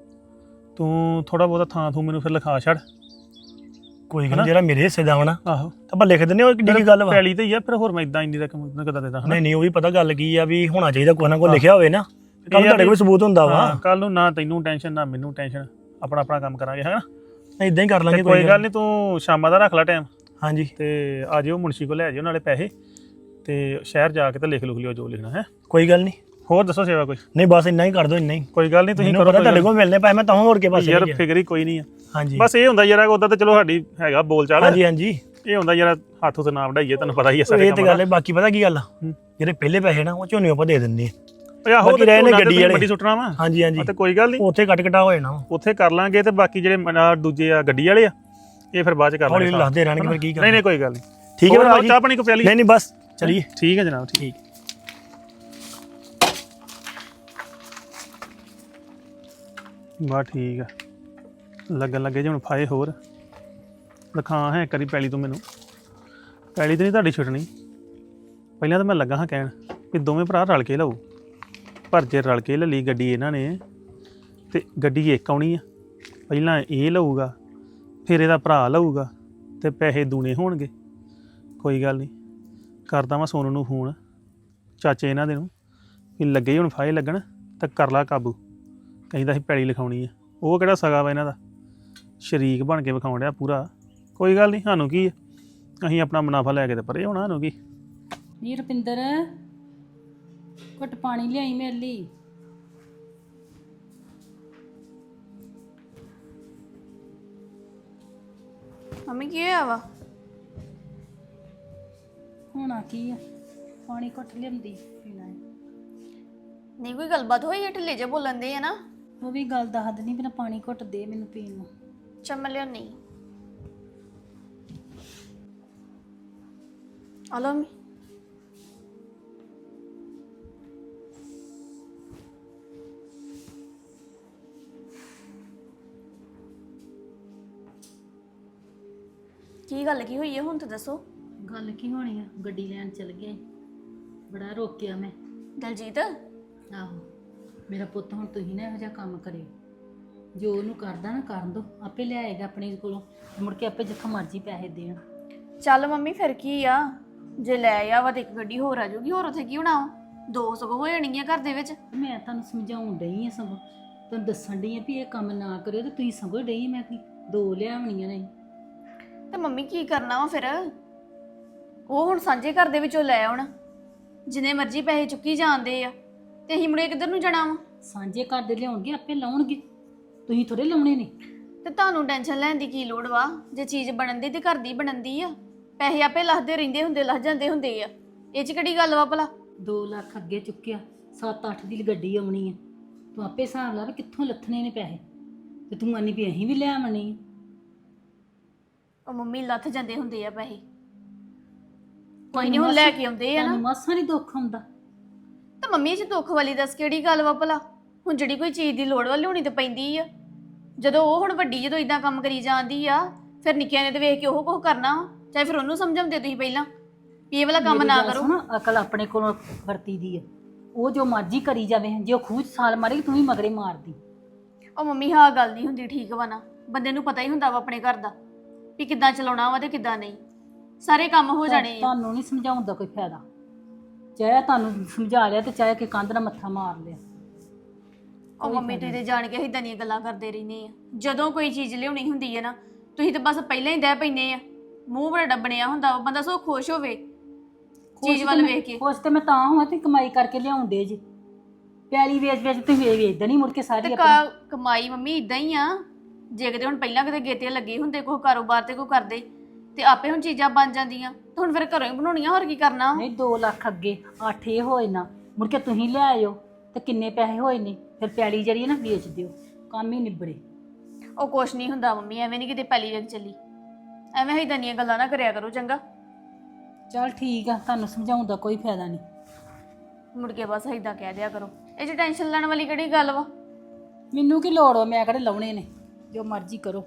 Speaker 2: ਤੂੰ ਥੋੜਾ ਬਹੁਤਾ ਥਾਂ ਥੂ ਮੈਨੂੰ ਫਿਰ ਲਿਖਾ ਛੱਡ।
Speaker 1: ਕੋਈ ਗੱਲ ਨੀ, ਜਿਹੜਾ ਮੇਰੇ ਹਿੱਸੇ ਦਾ ਵਾ ਨਾ
Speaker 2: ਆਹੋ,
Speaker 1: ਤਾਂ ਆਪਾਂ ਲਿਖ ਦਿੰਦੇ, ਉਹ ਕਿੱਡੀ ਕੀ ਗੱਲ ਵਾ।
Speaker 2: ਪੈਲੀ ਤੇ ਹੀ ਆ, ਫਿਰ ਹੋਰ ਮੈਂ ਇਦਾਂ ਇੰਨੀ ਰਕਮ ਕਿੱਦਾਂ ਦੇਦਾ?
Speaker 1: ਨਹੀਂ ਨਹੀਂ, ਉਹ ਵੀ ਪਤਾ ਗੱਲ ਕੀ ਆ ਵੀ ਹੋਣਾ ਚਾਹੀਦਾ, ਕੋਈ ਨਾ ਕੋਈ ਲਿਖਿਆ ਹੋਵੇ ਨਾ, ਕੱਲ ਤੁਹਾਡੇ ਕੋਲ ਸਬੂਤ ਹੁੰਦਾ ਵਾ।
Speaker 2: ਕੱਲ ਨੂੰ ਨਾ ਤੈਨੂੰ ਟੈਨਸ਼ਨ ਨਾ ਮੈਨੂੰ ਟੈਨਸ਼ਨ, ਆਪਣਾ ਆਪਣਾ ਕੰਮ ਕਰਾਂਗੇ ਹੈ ਨਾ।
Speaker 1: ਇਦਾਂ ਹੀ ਕਰ ਲਾਂਗੇ।
Speaker 2: ਕੋਈ ਗੱਲ ਨਹੀਂ, ਤੂੰ ਸ਼ਾਮਾਂ ਦਾ ਰੱਖ ਲੈ ਟਾਈਮ,
Speaker 1: ਹਾਂਜੀ,
Speaker 2: ਤੇ ਆ ਜਿਓ ਮੁਨਸ਼ੀ ਕੋਲ ਲੈ ਜਿਓ ਨਾਲੇ ਪੈਸੇ, ਤੇ ਸ਼ਹਿਰ ਜਾ ਕੇ ਤੇ ਲਿਖ ਲੁਖ ਲਿਓ ਜੋ ਲਿਖਣਾ ਹੈ।
Speaker 1: ਕੋਈ ਗੱਲ ਨਹੀਂ।
Speaker 2: ਹੋਰ ਦੱਸੋ ਸੇਵਾ ਕੋਈ?
Speaker 1: ਨਹੀਂ ਬਸ ਇੰਨਾ ਹੀ ਕਰ ਦਿਓ, ਇੰਨਾ ਹੀ।
Speaker 2: ਕੋਈ ਗੱਲ ਨਹੀਂ, ਤੁਸੀਂ
Speaker 1: ਮੈਨੂੰ
Speaker 2: ਕਰੋ,
Speaker 1: ਪਤਾ ਤੁਹਾਡੇ ਕੋਲ ਮਿਲਨੇ ਪਏ, ਮੈਂ ਤਾਂ ਹੋਰ ਕੇ ਪਾਸੇ
Speaker 2: ਯਾਰ
Speaker 1: ਨਹੀਂ ਗਿਆ।
Speaker 2: ਫਿਕਰ ਹੀ ਕੋਈ ਨਹੀਂ ਆ।
Speaker 1: ਹਾਂਜੀ
Speaker 2: ਬਸ ਇਹ ਹੁੰਦਾ ਯਾਰ, ਉਹਦਾ ਤਾਂ ਚਲੋ ਸਾਡੀ ਹੈਗਾ ਬੋਲ ਚਾਲ,
Speaker 1: ਹਾਂਜੀ ਹਾਂਜੀ,
Speaker 2: ਇਹ ਹੁੰਦਾ ਯਾਰ ਹੱਥ ਉਤੇ ਨਾ ਵਢਾਈਏ, ਤੁਹਾਨੂੰ ਪਤਾ ਹੀ ਹੈ ਸਾਰੇ
Speaker 1: ਇਹ ਤੇ
Speaker 2: ਕੰਮ
Speaker 1: ਗੱਲ ਹੈ। ਬਾਕੀ ਪਤਾ ਕੀ ਗੱਲ ਆ,
Speaker 2: ਹੂੰ।
Speaker 1: ਜਿਹੜੇ ਪਹਿਲੇ ਪੈਸੇ ਨਾ ਉਹ ਝੋਨੇ ਆਪਾਂ ਦੇ ਦਿੰਦੇ ਆ।
Speaker 2: ਓਏ ਆਹੋ,
Speaker 1: ਬਾਕੀ ਰਹੇ ਨੇ ਗੱਡੀ ਵਾਲੇ।
Speaker 2: ਵੱਡੀ ਸੁੱਟਣਾ ਵਾ।
Speaker 1: ਹਾਂਜੀ ਹਾਂਜੀ,
Speaker 2: ਤੇ ਕੋਈ ਗੱਲ ਨਹੀਂ,
Speaker 1: ਉੱਥੇ ਕੱਟ ਕਟਾ ਹੋ ਜਾਣਾ ਵਾ।
Speaker 2: ਉੱਥੇ ਕਰ ਲਾਂਗੇ, ਤੇ ਬਾਕੀ ਜਿਹੜੇ ਮਨਾ ਦੂਜੇ ਆ ਗੱਡੀ ਵਾਲੇ ਆ, ਇਹ ਫਿਰ ਬਾਅਦ ਚ ਕਰ ਲਾਂਗੇ।
Speaker 1: ਹੌਲੀ ਲੱਥਦੇ ਰਹਿਣਗੇ, ਫਿਰ ਕੀ
Speaker 2: ਨਹੀਂ
Speaker 1: ਕਰਨਾ।
Speaker 2: ਨਹੀਂ ਕੋਈ ਗੱਲ ਨਹੀਂ,
Speaker 1: ਠੀਕ ਹੈ
Speaker 2: ਹੋਰ
Speaker 1: ਭਾਜੀ,
Speaker 2: ਚਾਹ ਪਾਣੀ ਕੋ ਪਿਆਲੀ?
Speaker 1: ਨਹੀਂ ਨਹੀਂ ਬਸ ਚਲੀਏ।
Speaker 2: ਠੀਕ ਹੈ ਜਨਾਬ, ਠੀਕ। ਬਾ ਠੀਕ ਆ, ਲੱਗਣ ਲੱਗੇ ਜੇ ਹੁਣ ਫਾਏ ਹੋਰ ਲਖਾਂ ਹੈ ਕਰੀ ਪੈਲੀ ਤੋਂ ਮੈਨੂੰ। ਪੈਲੀ ਤੇ ਨਹੀਂ ਤੁਹਾਡੀ ਛੁੱਟਣੀ, ਪਹਿਲਾਂ ਤਾਂ ਮੈਂ ਲੱਗਾ ਹਾਂ ਕਹਿਣ ਵੀ ਦੋਵੇਂ ਭਰਾ ਰਲ ਕੇ ਲਓ, ਪਰ ਜੇ ਰਲ ਕੇ ਲੈ ਲਈ ਗੱਡੀ ਇਹਨਾਂ ਨੇ ਤੇ ਗੱਡੀ ਇੱਕ ਆਉਣੀ ਆ, ਪਹਿਲਾਂ ਇਹ ਲਊਗਾ ਫਿਰ ਇਹਦਾ ਭਰਾ ਲਊਗਾ ਤੇ ਪੈਸੇ ਦੂਣੇ ਹੋਣਗੇ। ਕੋਈ ਗੱਲ ਨਹੀਂ, ਕਰਦਾ ਮੈਂ ਸੋਨੂੰ ਨੂੰ ਫੋਨ, ਚਾਚੇ ਇਹਨਾਂ ਦੇ ਨੂੰ, ਵੀ ਲੱਗੇ ਹੁਣ ਫਾਇਲ ਲੱਗਣ ਤਾਂ ਕਰ ਲਾ ਕਾਬੂ। ਕਹਿੰਦਾ ਸੀ ਪੈਲੀ ਲਿਖਾਉਣੀ ਆ, ਉਹ ਕਿਹੜਾ ਸਗਾ ਵਾ ਇਹਨਾਂ ਦਾ, ਸ਼ਰੀਕ ਬਣ ਕੇ ਵਿਖਾਉਣ ਡਿਆ ਪੂਰਾ। ਕੋਈ ਗੱਲ ਨਹੀਂ, ਸਾਨੂੰ ਕੀ ਆ, ਅਸੀਂ ਆਪਣਾ ਮੁਨਾਫਾ ਲੈ ਕੇ ਤੇ ਪਰੇ ਹੋਣਾ, ਸਾਨੂੰ ਕੀ।
Speaker 4: ਨੀ ਰੁਪਿੰਦਰ, ਘੁੱਟ ਪਾਣੀ ਲਿਆਈ ਮੇਰੇ ਲਈ।
Speaker 5: ਮੰਮੀ ਕੀ ਹੋਇਆ ਵਾ?
Speaker 4: ਹੋਣਾ ਕੀ ਆ, ਪਾਣੀ ਘੁੱਟ ਲਿਆਂਦੀ ਪੀਣਾ ਹੈ।
Speaker 5: ਨਹੀਂ ਕੋਈ ਗੱਲਬਾਤ ਹੋਈ ਹੈ, ਢਿੱਲੇ ਜੇ ਬੋਲਣ ਦੇ ਆ ਨਾ।
Speaker 4: ਉਹ ਵੀ ਗੱਲ ਦੱਸ ਦਿੰਦੀ, ਬਿਨਾ ਪਾਣੀ ਘੁੱਟ ਦੇ ਮੈਨੂੰ ਪੀਣ ਨੂੰ।
Speaker 5: ਚੱਲ ਮੈਂ ਲਿਆਉਣੀ ਆ ਲਓ ਮੰਮੀ। ਕੀ ਗੱਲ ਕੀ ਹੋਈ ਹੈ ਹੁਣ ਤਾਂ ਦੱਸੋ।
Speaker 4: ਗੱਲ ਕੀ ਹੋਣੀ ਆ, ਗੱਡੀ ਲੈਣ ਚਲ ਗਿਆ ਈ। ਬੜਾ ਰੋਕਿਆ ਮੈਂ।
Speaker 5: ਦਲਜੀਤ
Speaker 4: ਆਹੋ, ਮੇਰਾ ਪੁੱਤ ਹੁਣ ਤੁਸੀਂ ਨਾ ਇਹੋ ਜਿਹਾ ਕੰਮ ਕਰਿਓ, ਜੋ ਉਹਨੂੰ ਕਰਦਾ ਨਾ ਕਰਨ ਦੋ, ਆਪੇ ਲਿਆਏਗਾ ਆਪਣੇ ਕੋਲੋਂ, ਮੁੜ ਕੇ ਆਪੇ ਜਿੱਥੋਂ ਮਰਜ਼ੀ ਪੈਸੇ ਦੇਣ।
Speaker 5: ਚੱਲ ਮੰਮੀ ਫਿਰ ਕੀ ਆ, ਜੇ ਲੈ ਆ ਵਾ ਤੇ ਇੱਕ ਗੱਡੀ ਹੋਰ ਆ ਜਾਊਗੀ, ਹੋਰ ਉੱਥੇ ਕੀ ਹੋਣਾ ਵਾ, ਦੋ ਸਗੋਂ ਹੋ ਜਾਣਗੀਆਂ ਘਰ ਦੇ ਵਿੱਚ।
Speaker 4: ਮੈਂ ਤੁਹਾਨੂੰ ਸਮਝਾਉਣ ਡਈ ਆ, ਸਗੋਂ ਤੁਹਾਨੂੰ ਦੱਸਣ ਡਈ ਆ ਵੀ ਇਹ ਕੰਮ ਨਾ ਕਰਿਓ, ਤੇ ਤੁਸੀਂ ਸਗੋਂ ਡਈ ਮੈਂ ਕੀ ਦੋ ਲਿਆਵਣੀਆਂ ਨੇ।
Speaker 5: ਤੇ ਮੰਮੀ ਕੀ ਕਰਨਾ ਵਾ ਫਿਰ, ਉਹ ਹੁਣ ਸਾਂਝੇ ਘਰ ਦੇ ਵਿੱਚੋਂ ਲੈ ਆਉਣ, ਜਿੰਨੇ ਮਰਜ਼ੀ ਪੈਸੇ ਚੁੱਕੀ ਜਾਂਦੇ ਆ, ਤੇ ਅਸੀਂ ਮੁੜੇ ਕਿੱਧਰ ਨੂੰ ਜਾਣਾ ਵਾ।
Speaker 4: ਸਾਂਝੇ ਘਰ ਦੇ ਲਿਆਉਣਗੇ, ਆਪੇ ਲਾਉਣਗੇ, ਤੁਸੀਂ ਥੋੜੇ ਲਾਉਣੇ ਨੇ।
Speaker 5: ਤੇ ਤੁਹਾਨੂੰ ਟੈਨਸ਼ਨ ਲੈਣ ਦੀ ਕੀ ਲੋੜ ਵਾ, ਜੇ ਚੀਜ਼ ਬਣਨ ਦੀ ਤੇ ਘਰ ਦੀ ਬਣਨ ਦੀ ਆ, ਪੈਸੇ ਆਪੇ ਲੱਥਦੇ ਰਹਿੰਦੇ ਹੁੰਦੇ, ਲੱਥ ਜਾਂਦੇ ਹੁੰਦੇ ਆ, ਇਹ 'ਚ ਕਿਹੜੀ ਗੱਲ ਵਾ ਭਲਾ।
Speaker 4: ਦੋ ਲੱਖ ਅੱਗੇ ਚੁੱਕਿਆ, ਸੱਤ ਅੱਠ ਦੀ ਗੱਡੀ ਆਉਣੀ ਆ, ਤੂੰ ਆਪੇ ਹਿਸਾਬ ਲਾ ਵੀ ਕਿੱਥੋਂ ਲੱਥਣੇ ਨੇ ਪੈਸੇ ਤੇ ਤੂੰ ਆਨੀ ਵੀ ਅਸੀਂ ਵੀ ਲੈ ਆਵਣੇ ਆ।
Speaker 5: ਉਹ ਮੰਮੀ ਲੱਥ ਜਾਂਦੇ ਹੁੰਦੇ ਆ ਪੈਸੇ, ਕੋਈ ਨਹੀਂ ਹੁਣ ਲੈ ਕੇ ਆਉਂਦੇ ਆ ਨਾ।
Speaker 4: ਤੈਨੂੰ ਮਾਸਾ ਨਹੀਂ ਦੁੱਖ ਆਉਂਦਾ।
Speaker 5: ਤਾਂ ਮੰਮੀ ਜੀ ਦੁੱਖ ਵਾਲੀ ਦੱਸ ਕਿਹੜੀ ਗੱਲ ਵਾ ਭਲਾ? ਹੁਣ ਜਿਹੜੀ ਕੋਈ ਚੀਜ਼ ਦੀ ਲੋੜ ਵਾ ਲਿਆਉਣੀ ਤੇ ਪੈਂਦੀ ਆ। ਜਦੋਂ ਉਹ ਹੁਣ ਵੱਡੀ ਜਦੋਂ ਇਦਾਂ ਕੰਮ ਕਰੀ ਜਾਂਦੀ ਆ, ਫਿਰ ਨਿੱਕਿਆਂ ਨੇ ਤੇ ਵੇਖ ਕੇ ਉਹ ਕੁਝ ਕਰਨਾ ਵਾ। ਚਾਹੇ ਫਿਰ ਉਹਨੂੰ ਸਮਝਾਉਂਦੇ ਤੁਸੀਂ ਪਹਿਲਾਂ ਵੀ ਇਹ ਵਾਲਾ ਕੰਮ
Speaker 4: ਮੇਰੀ
Speaker 5: ਨਾ
Speaker 4: ਗੱਲ
Speaker 5: ਕਰੋ।
Speaker 4: ਸੁਣ, ਅਕਲ ਆਪਣੇ ਕੋਲੋਂ ਵਰਤੀ ਦੀ ਆ। ਉਹ ਜੋ ਮਰਜ਼ੀ ਕਰੀ ਜਾਵੇ, ਜੇ ਉਹ ਖੂਹ 'ਚ ਸਾਲ ਮਾਰੇਗੀ ਤੂੰ ਵੀ ਮਗਰੇ ਮਾਰਦੀ।
Speaker 5: ਉਹ ਮੰਮੀ ਹਾਂ ਗੱਲ ਨਹੀਂ ਹੁੰਦੀ ਠੀਕ ਵਾ ਨਾ, ਬੰਦੇ ਨੂੰ ਪਤਾ ਹੀ ਹੁੰਦਾ ਵਾ ਆਪਣੇ ਘਰ ਦਾ ਵੀ ਕਿੱਦਾਂ ਚਲਾਉਣਾ ਵਾ ਤੇ ਕਿੱਦਾਂ ਨਹੀਂ। ਸਾਰੇ ਕੰਮ ਹੋ ਜਾਣੇ ਆ।
Speaker 4: ਤੁਹਾਨੂੰ ਨਹੀਂ ਸਮਝਾਉਣ ਦਾ ਕੋਈ ਫਾਇਦਾ। ਚਾਹੇ ਤੁਹਾਨੂੰ ਸਮਝਾ ਲਿਆ ਤੇ ਚਾਹੇ ਕਿ ਕੰਧ ਨਾਲ ਮੱਥਾ ਮਾਰ ਲਿਆ।
Speaker 5: ਉਹ ਮੰਮੀ ਤੁਸੀਂ ਤੇ ਜਾਣ ਕੇ ਇਦਾਂ ਦੀਆਂ ਗੱਲਾਂ ਕਰਦੇ ਰਹਿੰਦੇ ਆ। ਜਦੋਂ ਕੋਈ ਚੀਜ਼ ਲਿਆਉਣੀ ਹੁੰਦੀ ਹੈ ਨਾ, ਤੁਸੀਂ ਤਾਂ ਬਸ ਪਹਿਲਾਂ ਹੀ ਦਹਿ ਪੈਂਦੇ ਆ। ਮੂੰਹ ਬੜਾ ਡੱਬਣਿਆ ਹੁੰਦਾ ਵਾ, ਬੰਦਾ ਸੋ ਖੁਸ਼ ਹੋਵੇ ਚੀਜ਼ ਵੱਲ ਵੇਖ ਕੇ।
Speaker 4: ਖੁਸ਼ ਤੇ ਮੈਂ ਤਾਂ ਹਾਂ ਤੇ ਕਮਾਈ ਕਰਕੇ ਲਿਆਉਂਦੇ ਜੀ। ਪਿਆਲੀ ਵੇਚ ਵੇਚ ਤੁਸੀਂ ਵੇਚ ਵੇਚਦਾ ਨਹੀਂ ਮੁੜ ਕੇ ਸਾਰੀ
Speaker 5: ਤੇ
Speaker 4: ਆਪਣੀ।
Speaker 5: ਕਾ- ਕਮਾਈ ਮੰਮੀ ਇਦਾਂ ਹੀ ਆ। ਜੇ ਕਿਤੇ ਹੁਣ ਪਹਿਲਾਂ ਕਿਤੇ ਗੇਤੇ ਲੱਗੇ ਹੁੰਦੇ ਕੋਈ ਕਾਰੋਬਾਰ ਤੇ ਕੋਈ ਕਰਦੇ ਤੇ ਆਪੇ ਹੁਣ ਚੀਜ਼ਾਂ ਬਣ ਜਾਂਦੀਆਂ। ਤੇ ਹੁਣ ਫਿਰ ਘਰੋਂ ਹੀ ਬਣਾਉਣੀਆਂ, ਹੋਰ ਕੀ ਕਰਨਾ?
Speaker 4: ਨਹੀਂ ਦੋ ਲੱਖ ਅੱਗੇ ਅੱਠ ਇਹ ਹੋਏ ਨਾ, ਮੁੜ ਕੇ ਤੁਸੀਂ ਲੈ ਆਇਓ ਤੇ ਕਿੰਨੇ ਪੈਸੇ ਹੋਏ ਨੇ, ਫਿਰ ਪਿਆਲੀ ਜਿਹੜੀ ਹੈ ਨਾ ਵੇਚ ਦਿਓ, ਕੰਮ ਹੀ ਨਿਬੜੇ।
Speaker 5: ਉਹ ਕੁਛ ਨਹੀਂ ਹੁੰਦਾ ਮੰਮੀ, ਐਵੇਂ ਨਹੀਂ ਕਿਤੇ ਪਹਿਲੀ ਵੇਖ ਚੱਲੀ। ਐਵੇਂ ਇਦਾਂ ਦੀਆਂ ਗੱਲਾਂ ਨਾ ਕਰਿਆ ਕਰੋ ਚੰਗਾ।
Speaker 4: ਚਲ ਠੀਕ ਆ, ਤੁਹਾਨੂੰ ਸਮਝਾਉਣ ਦਾ ਕੋਈ ਫਾਇਦਾ ਨਹੀਂ।
Speaker 5: ਮੁੜ ਕੇ ਬਸ ਇਦਾਂ ਕਹਿ ਦਿਆ ਕਰੋ। ਇਹ 'ਚ ਟੈਨਸ਼ਨ ਲੈਣ ਵਾਲੀ ਕਿਹੜੀ ਗੱਲ ਵਾ?
Speaker 4: ਮੈਨੂੰ ਕੀ ਲੋੜ ਵਾ, ਮੈਂ ਕਿਹੜੇ ਲਾਉਣੇ ਨੇ, ਜੋ ਮਰਜ਼ੀ ਕਰੋ।